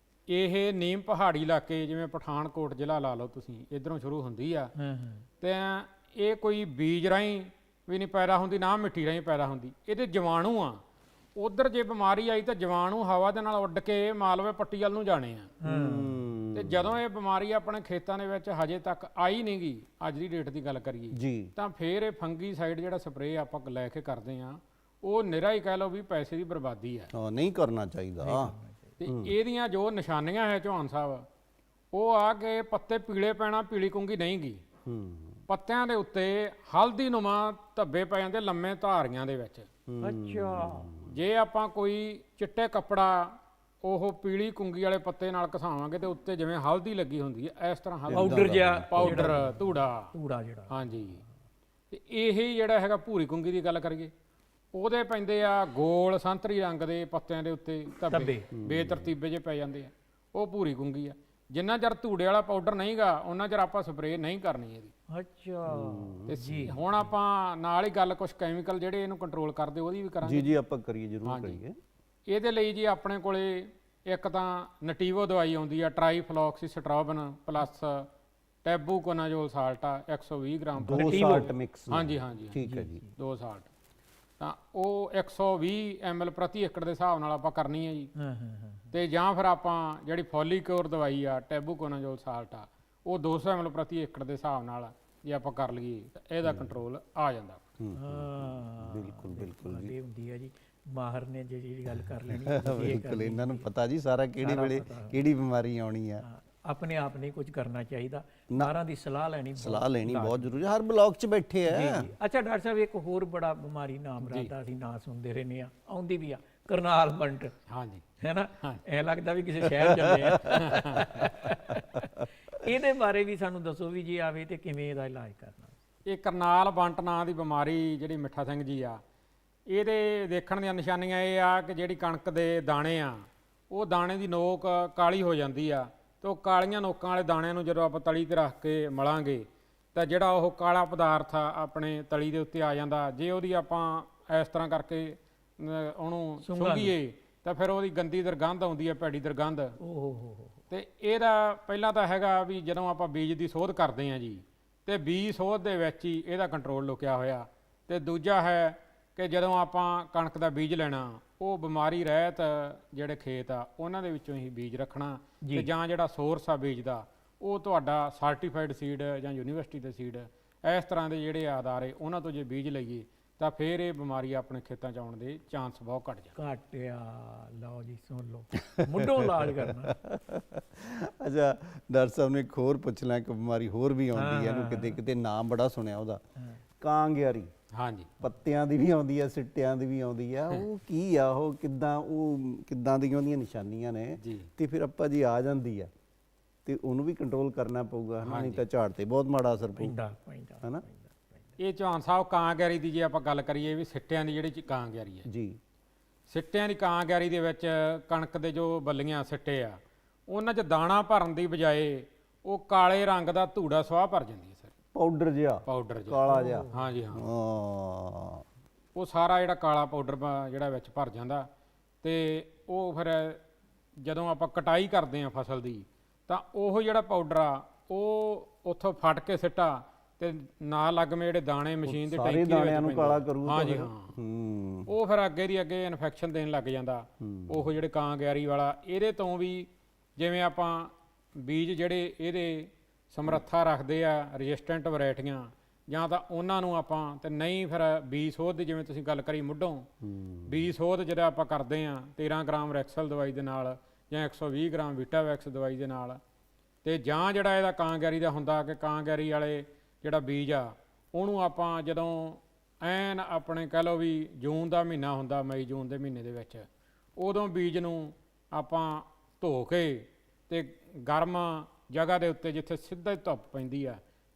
S3: ਇਹ ਨੀਮ ਪਹਾੜੀ ਇਲਾਕੇ ਜਿਵੇਂ ਪਠਾਨਕੋਟ ਜ਼ਿਲ੍ਹਾ ਲਾ ਲਓ ਤੁਸੀਂ, ਇੱਧਰੋਂ ਸ਼ੁਰੂ ਹੁੰਦੀ ਆ
S1: ਹਾਂ ਹਾਂ
S3: ਤੇ ਇਹ ਕੋਈ ਬੀਜ ਰਾਹੀਂ ਵੀ ਨਹੀਂ ਪੈਦਾ ਹੁੰਦੀ, ਨਾ ਮਿੱਟੀ ਰਾਹੀਂ ਪੈਦਾ ਹੁੰਦੀ, ਇਹਦੇ ਜੀਵਾਣੂ ਆ। ਉਧਰ ਜੇ ਬਿਮਾਰੀ ਆਈ ਤਾਂ ਜੀਵਾਣੂ ਹਵਾ ਦੇ ਨਾਲ ਉੱਡ ਕੇ ਮਾਲਵੇ ਪੱਟੀ ਵੱਲ ਨੂੰ ਜਾਣੇ ਆ। ਤੇ ਜਦੋਂ ਇਹ ਬਿਮਾਰੀ ਆਪਣੇ ਖੇਤਾਂ ਦੇ ਵਿੱਚ ਹਜੇ ਤੱਕ ਆਈ ਨਹੀਂ ਗਈ, ਅੱਜ ਦੀ ਡੇਟ ਦੀ ਗੱਲ ਕਰੀਏ
S2: ਜੀ,
S3: ਤਾਂ ਫਿਰ ਇਹ ਫੰਗੀਸਾਈਡ ਜਿਹੜਾ ਸਪਰੇਅ ਆਪਾਂ ਲੈ ਕੇ ਕਰਦੇ ਆ ਉਹ ਨਿਰਾ ਹੀ ਕਹਿ ਲਓ ਵੀ ਪੈਸੇ ਦੀ ਬਰਬਾਦੀ ਹੈ।
S2: ਹਾਂ ਨਹੀਂ ਕਰਨਾ ਚਾਹੀਦਾ।
S3: ਤੇ ਇਹਦੀਆਂ ਜੋ ਨਿਸ਼ਾਨੀਆਂ ਹੈ ਚੌਹਾਨ ਸਾਹਿਬ ਉਹ ਆ ਕਿ ਪੱਤੇ ਪੀਲੇ ਪੈਣਾ, ਪੀਲੀ ਕੁੰਗੀ ਨਹੀਂ ਗੀ,
S2: ਹੂੰ
S3: ਪੱਤਿਆਂ ਦੇ ਉੱਤੇ ਹਲਦੀ ਨੁਮਾ ਧੱਬੇ ਪੈ ਜਾਂਦੇ ਲੰਮੇ ਧਾਰੀਆਂ ਦੇ ਵਿੱਚ।
S1: ਅੱਛਾ।
S3: ਜੇ ਆਪਾਂ ਕੋਈ ਚਿੱਟੇ ਕੱਪੜਾ ਉਹ ਪੀਲੀ ਕੁੰਗੀ ਵਾਲੇ ਪੱਤੇ ਨਾਲ ਘਸਾਵਾਂਗੇ ਤੇ ਉੱਤੇ ਜਿਵੇਂ ਹਲਦੀ ਲੱਗੀ ਹੁੰਦੀ ਹੈ ਇਸ ਤਰ੍ਹਾਂ ਹਲਦੀ
S1: ਪਾਊਡਰ ਜਿਹਾ
S3: ਪਾਊਡਰ ਧੂੜਾ
S1: ਧੂੜਾ ਜਿਹੜਾ।
S3: ਹਾਂਜੀ। ਤੇ ਇਹ ਜਿਹੜਾ ਹੈਗਾ ਭੂਰੀ ਕੁੰਗੀ ਦੀ ਗੱਲ ਕਰੀਏ ਉਹਦੇ ਪੈਂਦੇ ਆ ਗੋਲ ਸੰਤਰੀ ਰੰਗ ਦੇ ਪੱਤਿਆਂ ਦੇ ਉੱਤੇ ਧੱਬੇ ਬੇਤਰਤੀਬੇ ਜੇ ਪੈ ਜਾਂਦੇ ਆ, ਉਹ ਭੂਰੀ ਕੁੰਗੀ ਆ। ਜਿੰਨਾ ਚਿਰ ਧੂੜੇ ਵਾਲਾ ਪਾਊਡਰ ਨਹੀਂਗਾ ਉਹਨਾਂ ਚਿਰ ਆਪਾਂ ਸਪਰੇਅ ਨਹੀਂ ਕਰਨੀ ਇਹਦੀ।
S1: ਅੱਛਾ
S3: ਤੇ ਹੁਣ ਆਪਾਂ ਨਾਲ ਹੀ ਗੱਲ ਕੁਝ ਕੈਮੀਕਲ ਜਿਹੜੇ ਇਹਨੂੰ ਕੰਟਰੋਲ ਕਰਦੇ ਉਹਦੀ ਵੀ ਕਰਾਂਗੇ।
S2: ਜੀ ਜੀ ਆਪਾਂ ਕਰੀਏ, ਜ਼ਰੂਰ ਕਰੀਏ।
S3: ਇਹਦੇ ਲਈ ਜੀ ਆਪਣੇ ਕੋਲੇ ਇੱਕ ਤਾਂ ਨਟੀਵੋ ਦਵਾਈ ਆਉਂਦੀ ਆ ਟਰਾਈਫਲੋਕਸੀਸਟ੍ਰੋਬਨ ਪਲੱਸ ਟੈਬੂਕੋਨਾਜ਼ੋਲ ਸਾਲਟ ਆ ਇੱਕ ਸੌ ਵੀਹ ਗ੍ਰਾਮ
S2: ਦੋ ਸਾਲਟ ਮਿਕਸ।
S3: ਹਾਂਜੀ ਹਾਂਜੀ
S2: ਠੀਕ ਹੈ ਜੀ।
S3: ਦੋ ਸਾਲਟ ਤਾਂ ਉਹ ਇੱਕ ਸੌ ਵੀਹ ਐਮ ਐਲ ਪ੍ਰਤੀ ਏਕੜ ਦੇ ਹਿਸਾਬ ਨਾਲ ਆਪਾਂ ਕਰਨੀ ਹੈ ਜੀ।
S1: ਹਾਂ ਹਾਂ ਹਾਂ
S3: ਤੇ ਜਾਂ ਫਿਰ ਆਪਾਂ ਜਿਹੜੀ ਫੋਲੀਕਿਓਰ ਦਵਾਈ ਆ ਟੈਬੂਕੋਨਾਜ਼ੋਲ ਸਾਲਟ ਆ ਉਹ ਦੋ ਸੌ ਐਮ ਐਲ ਪ੍ਰਤੀ ਏਕੜ ਦੇ ਹਿਸਾਬ ਨਾਲ ਜੇ ਆਪਾਂ ਕਰ ਲਈਏ ਤਾਂ ਇਹਦਾ ਕੰਟਰੋਲ ਆ ਜਾਂਦਾ।
S1: ਹਾਂ
S2: ਬਿਲਕੁਲ ਬਿਲਕੁਲ
S1: ਇਹ ਹੁੰਦੀ ਹੈ ਜੀ, ਮਾਹਰ ਨੇ ਜਿਹੜੀ ਗੱਲ ਕਰ ਲੈਣੀ
S2: ਬਿਲਕੁਲ ਇਹਨਾਂ ਨੂੰ ਪਤਾ ਜੀ ਸਾਰਾ ਕਿਹੜੀ ਵੇਲੇ ਕਿਹੜੀ ਬਿਮਾਰੀ ਆਉਣੀ ਆ।
S1: ਆਪਣੇ ਆਪ ਨਹੀਂ ਕੁਝ ਕਰਨਾ ਚਾਹੀਦਾ, ਸਾਰਿਆਂ ਦੀ ਸਲਾਹ ਲੈਣੀ
S2: ਸਲਾਹ ਲੈਣੀ ਬਹੁਤ ਜ਼ਰੂਰੀ ਹੈ। ਹਰ ਬਲਾਕ 'ਚ ਬੈਠੇ ਆ।
S1: ਜੀ। ਅੱਛਾ ਡਾਕਟਰ ਸਾਹਿਬ ਇੱਕ ਹੋਰ ਬੜਾ ਬਿਮਾਰੀ ਨਾਮ ਰਾਦਾ ਅਸੀਂ ਨਾਂ ਸੁਣਦੇ ਰਹਿੰਦੇ ਆ, ਆਉਂਦੀ ਵੀ ਆ ਕਰਨਾਲ ਮੰਟ।
S3: ਹਾਂਜੀ
S1: ਹੈ ਨਾ, ਐ ਲੱਗਦਾ ਵੀ ਕਿਸੇ ਸ਼ਹਿਰ ਚੱਲੇ ਆ। ਇਹਦੇ ਬਾਰੇ ਵੀ ਸਾਨੂੰ ਦੱਸੋ ਵੀ ਜੇ ਆਵੇ ਤੇ ਕਿਵੇਂ ਇਹਦਾ ਇਲਾਜ ਕਰਨਾ।
S3: ਇਹ ਕਰਨਾਲ ਬੰਟ ਨਾਂ ਦੀ ਬਿਮਾਰੀ ਜਿਹੜੀ ਮਿੱਠਾ ਸਿੰਘ ਜੀ ਆ ਇਹਦੇ ਦੇਖਣ ਦੀਆਂ ਨਿਸ਼ਾਨੀਆਂ ਇਹ ਆ ਕਿ ਜਿਹੜੀ ਕਣਕ ਦੇ ਦਾਣੇ ਆ ਉਹ ਦਾਣੇ ਦੀ ਨੋਕ ਕਾਲੀ ਹੋ ਜਾਂਦੀ ਆ ਤੇ ਉਹ ਕਾਲੀਆਂ ਨੋਕਾਂ ਵਾਲੇ ਦਾਣਿਆਂ ਨੂੰ ਜਦੋਂ ਆਪਾਂ ਤਲੀ ਤੇ ਰੱਖ ਕੇ ਮਲਾਂਗੇ ਤਾਂ ਜਿਹੜਾ ਉਹ ਕਾਲਾ ਪਦਾਰਥ ਆ ਆਪਣੇ ਤਲੀ ਦੇ ਉੱਤੇ ਆ ਜਾਂਦਾ। ਜੇ ਉਹਦੀ ਆਪਾਂ ਇਸ ਤਰ੍ਹਾਂ ਕਰਕੇ ਉਹਨੂੰ ਸੁੰਘੀਏ ਤਾਂ ਫਿਰ ਉਹਦੀ ਗੰਦੀ ਦੁਰਗੰਧ ਆਉਂਦੀ ਹੈ, ਭੈੜੀ ਦੁਰਗੰਧ।
S1: ਓਹ ਹੋ ਹੋ।
S3: ਤੇ ਇਹਦਾ ਪਹਿਲਾਂ ਤਾਂ ਹੈਗਾ ਵੀ ਜਦੋਂ ਆਪਾਂ ਬੀਜ ਦੀ ਸੋਧ ਕਰਦੇ ਹਾਂ ਜੀ ਤੇ ਬੀਜ ਸੋਧ ਦੇ ਵਿੱਚ ਹੀ ਇਹਦਾ ਕੰਟਰੋਲ ਲੁਕਿਆ ਹੋਇਆ। ਤੇ ਦੂਜਾ ਹੈ ਕਿ ਜਦੋਂ ਆਪਾਂ ਕਣਕ ਦਾ ਬੀਜ ਲੈਣਾ ਉਹ ਬਿਮਾਰੀ ਰਹਿਤ ਜਿਹੜੇ ਖੇਤ ਆ ਉਹਨਾਂ ਦੇ ਵਿੱਚੋਂ ਹੀ ਬੀਜ ਰੱਖਣਾ ਤੇ ਜਾਂ ਜਿਹੜਾ ਸੋਰਸ ਆ ਬੀਜ ਦਾ ਉਹ ਤੁਹਾਡਾ ਸਰਟੀਫਾਈਡ ਸੀਡ ਜਾਂ ਯੂਨੀਵਰਸਿਟੀ ਦੇ ਸੀਡ ਇਸ ਤਰ੍ਹਾਂ ਦੇ ਜਿਹੜੇ ਆਧਾਰੇ ਉਹਨਾਂ ਤੋਂ ਜੇ ਬੀਜ ਲਈਏ ਤਾਂ ਫਿਰ ਇਹ ਬਿਮਾਰੀ ਆਪਣੇ ਖੇਤਾਂ 'ਚ ਆਉਣ ਦੇ ਚਾਂਸ ਬਹੁਤ ਘੱਟ ਜਾਂਦੇ।
S1: ਘਟਿਆ। ਲਓ ਜੀ ਸੁਣ ਲਓ, ਮੁੱਢੋਂ ਇਲਾਜ ਕਰਨਾ।
S2: ਅੱਛਾ ਡਾਕਟਰ ਸਾਹਿਬ ਨੇ ਇੱਕ ਹੋਰ ਪੁੱਛ ਲਿਆ ਕਿ ਬਿਮਾਰੀ ਹੋਰ ਵੀ ਆਉਂਦੀ ਹੈ, ਇਹਨੂੰ ਕਿਤੇ ਕਿਤੇ ਨਾਮ ਬੜਾ ਸੁਣਿਆ ਉਹਦਾ, ਕਾਂਗਿਆਰੀ।
S3: ਹਾਂਜੀ
S2: ਪੱਤਿਆਂ ਦੀ ਵੀ ਆਉਂਦੀ ਆ, ਸਿੱਟਿਆਂ ਦੀ ਵੀ ਆਉਂਦੀ ਆ। ਉਹ ਕੀ ਆ, ਉਹ ਕਿੱਦਾਂ, ਉਹ ਕਿੱਦਾਂ ਦੀਆਂ ਉਹਦੀਆਂ ਨਿਸ਼ਾਨੀਆਂ ਨੇ ਤੇ ਫਿਰ ਆਪਾਂ ਜੀ ਆ ਜਾਂਦੀ ਆ ਤੇ ਉਹਨੂੰ ਵੀ ਕੰਟਰੋਲ ਕਰਨਾ ਪਊਗਾ, ਨਹੀਂ ਤਾਂ ਝਾੜ ਤੇ ਬਹੁਤ ਮਾੜਾ ਅਸਰ ਪਊਗਾ ਹੈ ਨਾ।
S3: ਇਹ ਚੌਹਾਨ ਸਾਹਿਬ ਕਾਂਗਿਆਰੀ ਦੀ ਜੇ ਆਪਾਂ ਗੱਲ ਕਰੀਏ ਵੀ ਸਿੱਟਿਆਂ ਦੀ ਜਿਹੜੀ ਕਾਂਗਿਆਰੀ ਹੈ ਜੀ, ਸਿੱਟਿਆਂ ਦੀ ਕਾਂਗਿਆਰੀ ਦੇ ਵਿੱਚ ਕਣਕ ਦੇ ਜੋ ਬੱਲੀਆਂ ਸਿੱਟੇ ਆ ਉਹਨਾਂ 'ਚ ਦਾਣਾ ਭਰਨ ਦੀ ਬਜਾਏ ਉਹ ਕਾਲੇ ਰੰਗ ਦਾ ਧੂੜਾ ਸਵਾਹ ਭਰ ਜਾਂਦੀ ਹੈ ਸਰ,
S2: ਪਾਊਡਰ ਜਿਹਾ,
S3: ਪਾਊਡਰ ਜਿਹਾ
S2: ਕਾਲਾ ਜਿਹਾ।
S3: ਹਾਂਜੀ ਹਾਂ,
S2: ਹਾਂ
S3: ਉਹ ਸਾਰਾ ਜਿਹੜਾ ਕਾਲਾ ਪਾਊਡਰ ਜਿਹੜਾ ਵਿੱਚ ਭਰ ਜਾਂਦਾ ਤੇ ਉਹ ਫਿਰ ਜਦੋਂ ਆਪਾਂ ਕਟਾਈ ਕਰਦੇ ਆ ਫਸਲ ਦੀ ਤਾਂ ਉਹ ਜਿਹੜਾ ਪਾਊਡਰ ਆ ਉਹ ਉੱਥੋਂ ਫਟ ਕੇ ਸਿੱਟਾ ਤੇ ਨਾਲ ਲੱਗਵੇਂ ਜਿਹੜੇ ਦਾਣੇ ਮਸ਼ੀਨ ਦੇ ਟੈਂਕੀ
S2: ਦਾਣਿਆਂ ਨੂੰ ਕਾਲਾ ਕਰੂ।
S3: ਹਾਂਜੀ ਹਾਂ, ਉਹ ਫਿਰ ਅੱਗੇ ਦੀ ਅੱਗੇ ਇਨਫੈਕਸ਼ਨ ਦੇਣ ਲੱਗ ਜਾਂਦਾ। ਉਹ ਜਿਹੜੇ ਕਾਂਗਿਆਰੀ ਵਾਲਾ ਇਹਦੇ ਤੋਂ ਵੀ ਜਿਵੇਂ ਆਪਾਂ ਬੀਜ ਜਿਹੜੇ ਇਹਦੇ ਸਮਰੱਥਾ ਰੱਖਦੇ ਆ ਰੈਜ਼ਿਸਟੈਂਟ ਵੈਰਾਈਟੀਆਂ ਜਾਂ ਤਾਂ ਉਹਨਾਂ ਨੂੰ ਆਪਾਂ ਤੇ ਨਹੀਂ ਫਿਰ ਬੀਜ ਸੋਧ ਦੀ ਜਿਵੇਂ ਤੁਸੀਂ ਗੱਲ ਕਰੀ ਮੁੱਢੋਂ ਬੀਜ ਸੋਧ ਜਿਹੜਾ ਆਪਾਂ ਕਰਦੇ ਆ ਤੇਰਾਂ ਗ੍ਰਾਮ ਰੈਕਸਲ ਦਵਾਈ ਦੇ ਨਾਲ ਜਾਂ ਇੱਕ ਸੌ ਵੀਹ ਗ੍ਰਾਮ ਵੀਟਾਵੈਕਸ ਦਵਾਈ ਦੇ ਨਾਲ, ਤੇ ਜਾਂ ਜਿਹੜਾ ਇਹਦਾ ਕਾਂਗਿਆਰੀ ਦਾ ਹੁੰਦਾ ਕਿ ਕਾਂਗਿਆਰੀ ਵਾਲੇ ਜਿਹੜਾ ਬੀਜ ਆ ਉਹਨੂੰ ਆਪਾਂ ਜਦੋਂ ਐਨ ਆਪਣੇ ਕਹਿ ਲਓ ਵੀ ਜੂਨ ਦਾ ਮਹੀਨਾ ਹੁੰਦਾ, ਮਈ ਜੂਨ ਦੇ ਮਹੀਨੇ ਦੇ ਵਿੱਚ, ਉਦੋਂ ਬੀਜ ਨੂੰ ਆਪਾਂ ਧੋ ਕੇ ਤੇ ਗਰਮ ਜਗ੍ਹਾ ਦੇ ਉੱਤੇ ਜਿੱਥੇ ਸਿੱਧਾ ਹੀ ਧੁੱਪ ਪੈਂਦੀ ਆ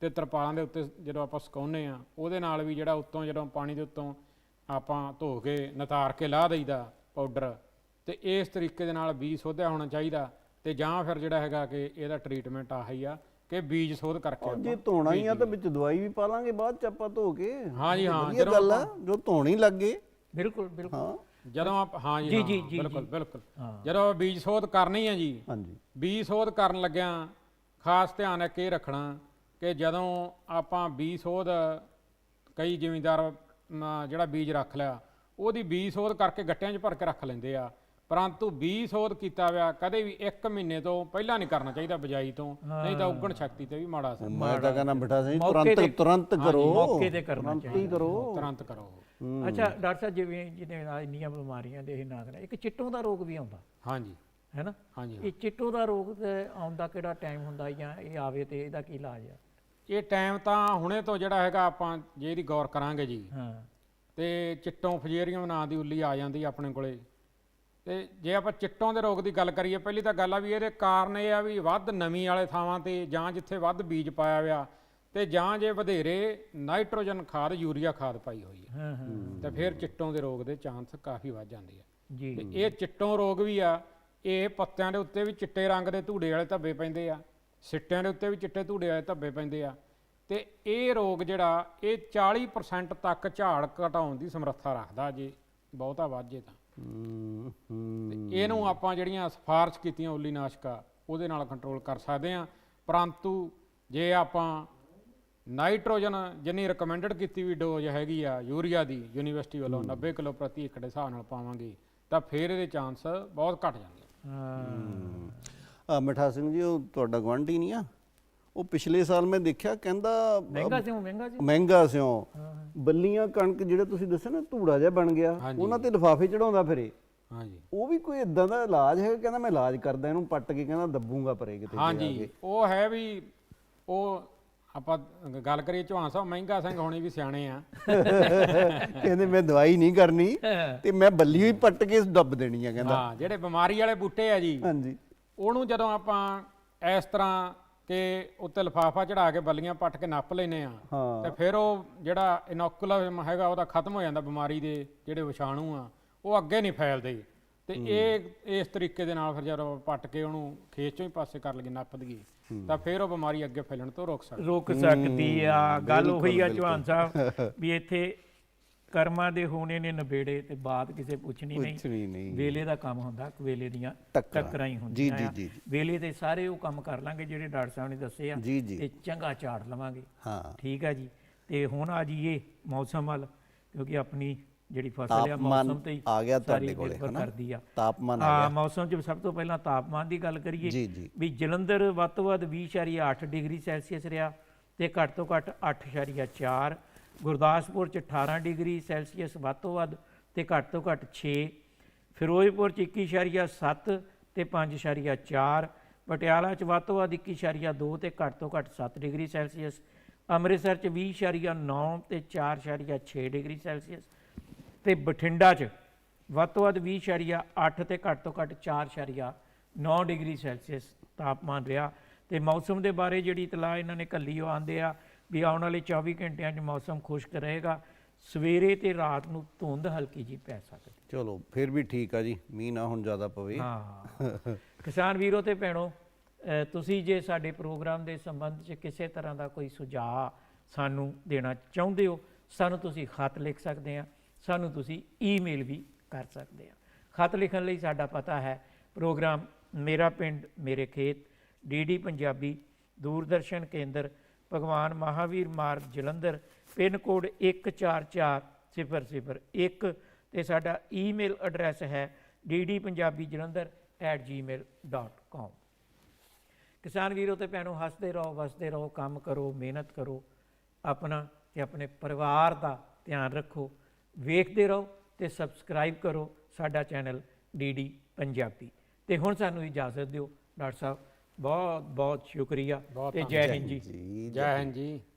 S3: ਤੇ ਤਰਪਾਲਾਂ ਦੇ ਉੱਤੇ ਜਦੋਂ ਆਪਾਂ ਸੁਕਾਉਂਦੇ ਆ ਉਹਦੇ ਨਾਲ ਵੀ ਜਿਹੜਾ ਉੱਤੋਂ ਜਦੋਂ ਪਾਣੀ ਦੇ ਉੱਤੋਂ ਆਪਾਂ ਧੋ ਕੇ ਨਤਾਰ ਕੇ ਲਾਹ ਦਈਦਾ ਪਾਊਡਰ, ਤੇ ਇਸ ਤਰੀਕੇ ਦੇ ਨਾਲ ਬੀਜ ਸੋਧਿਆ ਹੋਣਾ ਚਾਹੀਦਾ। ਤੇ ਜਾਂ ਫਿਰ ਜਿਹੜਾ ਹੈਗਾ ਕਿ ਇਹਦਾ ਟਰੀਟਮੈਂਟ ਆਹੀ ਆ ਕਿ ਬੀਜ ਸੋਧ ਕਰਕੇ
S2: ਜੇ
S3: ਆਪਾਂ-
S2: ਧੋਣਾ ਹੀ ਆ ਤਾਂ ਵਿੱਚ ਦਵਾਈ ਵੀ ਪਾ ਲਾਂਗੇ ਬਾਅਦ ਚ ਆਪਾਂ ਧੋ ਕੇ।
S3: ਹਾਂ ਜੀ, ਹਾਂ,
S2: ਵਧੀਆ ਗੱਲ ਆ ਜੋ ਧੋਣੀ ਲੱਗੇ।
S1: ਬਿਲਕੁਲ ਬਿਲਕੁਲ
S2: ਹਾਂ
S3: ਜਦੋਂ ਆਪ ਹਾਂ ਜੀ
S1: ਜੀ,
S3: ਹਾਂ,
S1: ਜੀ, ਜੀ,
S3: ਬਿਲਕੁਲ
S1: ਜੀ।
S3: ਬਿਲਕੁਲ
S1: ਹਾਂ।
S3: ਜਦੋਂ ਬੀਜ ਸੋਧ ਕਰਨੀ ਹੈ ਜੀ,
S2: ਹਾਂਜੀ
S3: ਬੀਜ ਸੋਧ ਕਰਨ ਲੱਗਿਆਂ ਖਾਸ ਧਿਆਨ ਇੱਕ ਇਹ ਰੱਖਣਾ ਕਿ ਜਦੋਂ ਆਪਾਂ ਬੀਜ ਸੋਧ, ਕਈ ਜ਼ਿਮੀਂਦਾਰ ਅਮ, ਜਿਹੜਾ ਬੀਜ ਰੱਖ ਲਿਆ ਉਹਦੀ ਬੀਜ ਸੋਧ ਕਰਕੇ ਗੱਟਿਆਂ 'ਚ ਭਰ ਕੇ ਰੱਖ ਲੈਂਦੇ ਆ, ਪਰੰਤੂ ਬੀਜ ਸੋਧ ਕੀਤਾ ਹੋਇਆ ਕਦੇ ਵੀ ਇੱਕ ਮਹੀਨੇ ਤੋਂ ਪਹਿਲਾਂ ਨਹੀਂ ਕਰਨਾ ਚਾਹੀਦਾ ਬਿਜਾਈ ਤੋਂ, ਨਹੀਂ ਤਾਂ ਉਗਣ ਸ਼ਕਤੀ ਤੇ ਵੀ ਮਾੜਾ ਅਸਰ
S2: ਮੈਂ ਤਾਂ ਕਹਿੰਦਾ ਬਿਠਾ ਸਿੰਘ
S1: ਮੌਕੇ ਤੇ-
S2: ਤੁਰੰਤ ਤੁਰੰਤ ਕਰੋ,
S1: ਮੌਕੇ ਤੇ ਕਰਨਾ
S2: ਤੁਰੰਤ ਹੀ ਕਰੋ।
S3: ਤੁਰੰਤ ਕਰੋ।
S1: ਅੱਛਾ ਡਾਕਟਰ ਸਾਹਿਬ, ਜਿਵੇਂ ਜਿਹਨੇ ਨਾਲ ਇੰਨੀਆਂ ਬਿਮਾਰੀਆਂ ਦੇ ਇਹ ਨਾ ਕਰਾਂ, ਇੱਕ ਚਿੱਟੋਂ ਦਾ ਰੋਗ ਵੀ ਆਉਂਦਾ
S3: ਹਾਂਜੀ
S1: ਹੈ ਨਾ?
S3: ਹਾਂਜੀ
S1: ਇਹ ਚਿੱਟੋਂ ਦਾ ਰੋਗ ਤੇ ਆਉਣ ਦਾ ਕਿਹੜਾ ਟਾਈਮ ਹੁੰਦਾ ਜਾਂ ਇਹ ਆਵੇ ਤੇ ਇਹਦਾ ਕੀ ਇਲਾਜ ਆ?
S3: ਇਹ ਟਾਈਮ ਤਾਂ ਹੁਣੇ ਤੋਂ ਜਿਹੜਾ ਹੈਗਾ ਆਪਾਂ ਜੇ ਇਹਦੀ ਗੌਰ ਕਰਾਂਗੇ ਜੀ,
S1: ਹਾਂ
S3: ਤੇ ਚਿੱਟੋਂ ਫਜੇਰੀਅਮ ਨਾਂ ਦੀ ਉੱਲੀ ਆ ਜਾਂਦੀ ਆਪਣੇ ਕੋਲੇ। ਤੇ ਜੇ ਆਪਾਂ ਚਿੱਟੋਂ ਦੇ ਰੋਗ ਦੀ ਗੱਲ ਕਰੀਏ, ਪਹਿਲੀ ਤਾਂ ਗੱਲ ਆ ਵੀ ਇਹਦੇ ਕਾਰਨ ਇਹ ਆ ਵੀ ਵੱਧ ਨਮੀ ਵਾਲੇ ਥਾਵਾਂ ਤੇ ਜਾਂ ਜਿੱਥੇ ਵੱਧ ਬੀਜ ਪਾਇਆ ਹੋਇਆ, ਤੇ ਜਾਂ ਜੇ ਵਧੇਰੇ ਨਾਈਟ੍ਰੋਜਨ ਖਾਦ ਯੂਰੀਆ ਖਾਦ ਪਾਈ ਹੋਈ ਹੈ,
S1: ਹਾਂ ਹਾਂ
S3: ਤੇ ਫਿਰ ਚਿੱਟੋਂ ਦੇ ਰੋਗ ਦੇ ਚਾਂਸ ਕਾਫੀ ਵੱਧ ਜਾਂਦੇ ਆ।
S1: ਜੀ
S3: ਤੇ ਇਹ ਚਿੱਟੋਂ ਰੋਗ ਵੀ ਆ, ਇਹ ਪੱਤਿਆਂ ਦੇ ਉੱਤੇ ਵੀ ਚਿੱਟੇ ਰੰਗ ਦੇ ਧੂੜੇ ਵਾਲੇ ਧੱਬੇ ਪੈਂਦੇ ਆ, ਸਿੱਟਿਆਂ ਦੇ ਉੱਤੇ ਵੀ ਚਿੱਟੇ ਧੂੜੇ ਵਾਲੇ ਧੱਬੇ ਪੈਂਦੇ ਆ। ਤੇ ਇਹ ਰੋਗ ਜਿਹੜਾ ਇਹ ਚਾਲੀ ਪਰਸੈਂਟ ਤੱਕ ਝਾੜ ਘਟਾਉਣ ਦੀ ਸਮਰੱਥਾ ਰੱਖਦਾ ਜੇ ਬਹੁਤਾ ਵੱਧ ਜੇ ਤਾਂ।
S2: ਹੂੰ ਹੂੰ
S3: ਤੇ ਇਹਨੂੰ ਆਪਾਂ ਜਿਹੜੀਆਂ ਸਿਫਾਰਸ਼ ਕੀਤੀਆਂ ਉੱਲੀ ਨਾਸ਼ਕਾ ਉਹਦੇ ਨਾਲ ਕੰਟਰੋਲ ਕਰ ਸਕਦੇ ਆ, ਪਰੰਤੂ ਜੇ ਆਪਾਂ ਨਾਈਟ੍ਰੋਜਨ ਜਿੰਨੀ ਰਿਕਮੈਂਡਡ ਕੀਤੀ ਵੀ ਡੋਜ਼ ਹੈਗੀ ਆ ਯੂਰੀਆ ਦੀ ਯੂਨੀਵਰਸਿਟੀ ਵੱਲੋਂ ਨੱਬੇ ਕਿਲੋ ਪ੍ਰਤੀ ਏਕੜ ਦੇ ਹਿਸਾਬ ਨਾਲ ਪਾਵਾਂਗੇ ਤਾਂ ਫਿਰ ਇਹਦੇ ਚਾਂਸ ਬਹੁਤ ਘਟ ਜਾਂਦੇ ਆ।
S1: ਹਾਂ
S2: ਆ ਮਿਠਾ ਸਿੰਘ ਜੀ, ਉਹ ਤੁਹਾਡਾ ਗੁਆਂਢੀ ਨਹੀਂ ਆ, ਉਹ ਪਿਛਲੇ ਸਾਲ ਮੈਂ ਦੇਖਿਆ ਕਹਿੰਦਾ
S1: ਮਹਿੰਗਾ ਸਿਉ ਮਹਿੰਗਾ ਸਿਉ
S2: ਮਹਿੰਗਾ ਸਿਉ ਬੱਲੀਆਂ ਕਣਕ ਜਿਹੜੇ ਤੁਸੀਂ ਦੱਸਿਆ ਨਾ ਧੂੜਾ ਜਿਹਾ ਬਣ ਗਿਆ,
S3: ਹਾਂਜੀ।
S2: ਉਹਨਾਂ ਤੇ ਲਿਫਾਫੇ ਚੜਾਉਂਦਾ ਫਿਰੇ।
S3: ਹਾਂਜੀ
S2: ਉਹ ਵੀ ਕੋਈ ਇਦਾਂ ਦਾ ਇਲਾਜ ਹੈ? ਕਹਿੰਦਾ ਮੈਂ ਇਲਾਜ ਕਰਦਾ ਇਹਨੂੰ ਪੱਟ ਕੇ, ਕਹਿੰਦਾ ਦੱਬੂਗਾ ਪਰੇ ਕਿਤੇ ਜਾ
S3: ਹਾਂਜੀ
S2: ਕੇ।
S3: ਉਹ ਹੈ ਵੀ ਉਹ ਆਪਾਂ ਗੱਲ ਕਰੀਏ ਚੌਹਾਨ ਸਾਹਿਬ ਮਹਿੰਗਾ ਸਿੰਘ ਹੋਣੀ ਵੀ ਸਿਆਣੇ ਆ।
S2: ਕਹਿੰਦੇ ਮੈਂ ਦਵਾਈ ਨਹੀਂ ਕਰਨੀ ਤੇ ਮੈਂ ਬੱਲੀ ਹੀ ਪੱਟ ਕੇ ਦੱਬ ਦੇਣੀ ਆ ਕਹਿੰਦਾ।
S3: ਹਾਂ ਜਿਹੜੇ ਬਿਮਾਰੀ ਵਾਲੇ ਬੂਟੇ ਆ ਜੀ,
S2: ਹਾਂਜੀ
S3: ਉਹਨੂੰ ਜਦੋਂ ਆਪਾਂ ਇਸ ਤਰ੍ਹਾਂ ਕਿ ਉੱਤੇ ਲਿਫਾਫਾ ਚੜਾ ਕੇ ਬੱਲੀਆਂ ਪੱਟ ਕੇ ਨੱਪ ਲੈਨੇ ਆ,
S2: ਹਾਂ।
S3: ਤੇ ਫਿਰ ਉਹ ਜਿਹੜਾ ਇਨੋਕੂਲਮ ਹੈਗਾ ਉਹਦਾ ਖਤਮ ਹੋ ਜਾਂਦਾ, ਬਿਮਾਰੀ ਦੇ ਜਿਹੜੇ ਵਿਸ਼ਾਣੂ ਆ ਉਹ ਅੱਗੇ ਨਹੀਂ ਫੈਲਦੇ। ਤੇ ਇਹ ਇਸ ਤਰੀਕੇ ਦੇ ਨਾਲ ਫਿਰ ਜਦੋਂ ਆਪਾਂ ਪੱਟ ਕੇ ਉਹਨੂੰ ਖੇਤ ਚੋਂ ਹੀ ਪਾਸੇ ਕਰ ਲਈਏ, ਨੱਪ ਦਈਏ, ਤਾਂ ਫਿਰ ਉਹ ਬਿਮਾਰੀ ਅੱਗੇ ਫੈਲਣ ਤੋਂ ਰੋਕ ਸਕਦੀ।
S1: ਰੋਕ ਸਕਦੀ ਆ। ਗੱਲ ਉਹੀ ਆ ਚੌਹਾਨ ਸਾਹਿਬ ਵੀ ਇੱਥੇ ਕਰਮਾਂ ਦੇ ਹੋਣੇ ਨੇ ਨਵੇੜੇ ਤੇ ਬਾਤ ਕਿਸੇ ਪੁੱਛਣੀ
S2: ਕੁਛ
S1: ਨਹੀਂ।
S2: ਵੀ ਨਹੀਂ।
S1: ਵੇਲੇ ਦਾ ਕੰਮ ਹੁੰਦਾ, ਵੇਲੇ ਦੀਆਂ
S2: ਟੱਕਰਾਂ।
S1: ਟੱਕਰਾਂ ਹੀ
S2: ਜੀ,
S1: ਹੁੰਦੀਆਂ
S2: ਜੀ,
S1: ਆ।
S2: ਜੀ।
S1: ਵੇਲੇ ਤੇ ਸਾਰੇ ਉਹ ਕੰਮ ਕਰ ਲਾਂਗੇ ਜਿਹੜੇ ਡਾਕਟਰ ਸਾਹਿਬ ਨੇ ਦੱਸੇ ਆ,
S2: ਜੀ, ਜੀ।
S1: ਤੇ ਚੰਗਾ ਝਾੜ ਲਵਾਂਗੇ।
S2: ਹਾਂ
S1: ਠੀਕ ਆ ਜੀ। ਤੇ ਹੁਣ ਆ ਜਾਈਏ ਮੌਸਮ ਵੱਲ, ਕਿਉਂਕਿ ਆਪਣੀ ਜਿਹੜੀ ਫਸਲ ਆ
S2: ਤਾਪਮਾਨ
S1: ਮੌਸਮ ਤੇ ਹੀ
S2: ਆ ਗਿਆ
S1: ਸਾਰੀ
S2: ਤੁਹਾਡੇ ਕੋਲੇ,
S1: ਨਿਰਭਰ
S2: ਹਨਾ?
S1: ਕਰਦੀ ਆ।
S2: ਤਾਪਮਾਨ ਆ
S1: ਹਾਂ
S2: ਗਿਆ।
S1: ਮੌਸਮ 'ਚ ਸਭ ਤੋਂ ਪਹਿਲਾਂ ਤਾਪਮਾਨ ਦੀ ਗੱਲ ਕਰੀਏ
S2: ਜੀ, ਜੀ।
S1: ਵੀ ਜਲੰਧਰ ਵੱਧ ਤੋਂ ਵੱਧ ਵੀਹ ਪੁਆਇੰਟ ਅੱਠ ਡਿਗਰੀ ਸੈਲਸੀਅਸ ਰਿਹਾ ਤੇ ਘੱਟ ਤੋਂ ਘੱਟ ਅੱਠ ਪੁਆਇੰਟ ਚਾਰ। ਗੁਰਦਾਸਪੁਰ 'ਚ ਅਠਾਰਾਂ ਡਿਗਰੀ ਸੈਲਸੀਅਸ ਵੱਧ ਤੋਂ ਵੱਧ ਤੇ ਘੱਟ ਤੋਂ ਘੱਟ ਛੇ। ਫਿਰੋਜ਼ਪੁਰ 'ਚ ਇੱਕੀ ਪੁਆਇੰਟ ਸੱਤ ਤੇ ਪੰਜ ਪੁਆਇੰਟ ਚਾਰ। ਪਟਿਆਲਾ 'ਚ ਵੱਧ ਤੋਂ ਵੱਧ ਇੱਕੀ ਪੁਆਇੰਟ ਦੋ ਤੇ ਘੱਟ ਤੋਂ ਘੱਟ ਸੱਤ ਡਿਗਰੀ ਸੈਲਸੀਅਸ। ਅੰਮ੍ਰਿਤਸਰ 'ਚ ਵੀਹ ਪੁਆਇੰਟ ਨੌ ਤੇ ਚਾਰ ਪੁਆਇੰਟ ਛੇ ਡਿਗਰੀ ਸੈਲਸੀਅਸ। ਤੇ ਬਠਿੰਡਾ 'ਚ ਵੱਧ ਤੋਂ ਵੱਧ ਵੀਹ ਪੁਆਇੰਟ ਅੱਠ ਤੇ ਘੱਟ ਤੋਂ ਘੱਟ ਚਾਰ ਪੁਆਇੰਟ ਨੌ ਡਿਗਰੀ ਸੈਲਸੀਅਸ ਤਾਪਮਾਨ ਰਿਹਾ। ਤੇ ਮੌਸਮ ਦੇ ਬਾਰੇ ਜਿਹੜੀ ਇਤਲਾਹ ਇਹਨਾਂ ਨੇ ਘੱਲੀ ਉਹ ਆਉਂਦੇ ਆ ਵੀ ਆਉਣ ਵਾਲੇ ਚੌਵੀ ਘੰਟਿਆਂ 'ਚ ਮੌਸਮ ਖੁਸ਼ਕ ਰਹੇਗਾ। ਸਵੇਰੇ ਤੇ ਰਾਤ ਨੂੰ ਧੁੰਦ ਹਲਕੀ ਜੀ ਪੈ ਸਕਦੀ।
S2: ਚਲੋ ਫਿਰ ਵੀ ਠੀਕ ਆ ਜੀ, ਮੀਂਹ ਨਾ ਹੁਣ ਜ਼ਿਆਦਾ ਪਵੇ।
S1: ਹਾਂ ਕਿਸਾਨ ਵੀਰੋ ਤੇ ਭੈਣੋ, ਅ, ਤੁਸੀਂ ਜੇ ਸਾਡੇ ਪ੍ਰੋਗਰਾਮ ਦੇ ਸੰਬੰਧ 'ਚ ਕਿਸੇ ਤਰ੍ਹਾਂ ਦਾ ਕੋਈ ਸੁਝਾਅ ਸਾਨੂੰ ਦੇਣਾ ਚਾਹੁੰਦੇ ਹੋ, ਸਾਨੂੰ ਤੁਸੀਂ ਖਤ ਲਿਖ ਸਕਦੇ ਆ, ਸਾਨੂੰ ਤੁਸੀਂ ਈਮੇਲ ਵੀ ਕਰ ਸਕਦੇ ਆ। ਖਤ ਲਿਖਣ ਲਈ ਸਾਡਾ ਪਤਾ ਹੈ ਪ੍ਰੋਗਰਾਮ ਮੇਰਾ ਪਿੰਡ ਮੇਰੇ ਖੇਤ, ਡੀਡੀ ਪੰਜਾਬੀ, ਦੂਰਦਰਸ਼ਨ ਕੇਂਦਰ, ਭਗਵਾਨ ਮਹਾਵੀਰ ਮਾਰਗ, ਜਲੰਧਰ, ਪਿੰਨ ਕੋਡ ਇੱਕ ਚਾਰ ਚਾਰ ਸਿਫਰ ਸਿਫਰ ਇੱਕ, ਤੇ ਸਾਡਾ ਈਮੇਲ ਐਡਰੈਸ ਹੈ D D Punjabi Jalandhar at Gmail dot com. ਕਿਸਾਨ ਵੀਰੋ ਤੇ ਭੈਣੋ, ਹੱਸਦੇ ਰਹੋ, ਵਸਦੇ ਰਹੋ, ਕੰਮ ਕਰੋ, ਮਿਹਨਤ ਕਰੋ, ਆਪਣਾ ਤੇ ਆਪਣੇ ਪਰਿਵਾਰ ਦਾ ਧਿਆਨ ਰੱਖੋ। ਵੇਖਦੇ ਰਹੋ ਤੇ ਸਬਸਕ੍ਰਾਈਬ ਕਰੋ ਸਾਡਾ ਚੈਨਲ ਡੀ ਡੀ ਪੰਜਾਬੀ। ਤੇ ਹੁਣ ਸਾਨੂੰ ਇਜਾਜ਼ਤ ਦਿਓ ਡਾਕਟਰ ਸਾਹਿਬ, ਬਹੁਤ ਬਹੁਤ ਸ਼ੁਕਰੀਆ
S3: ਬਹੁਤ
S1: ਤੇ ਜੈ ਹਿੰਦ ਜੀ।
S2: ਜੀ
S3: ਜੈ ਹਿੰਦ ਜੀ।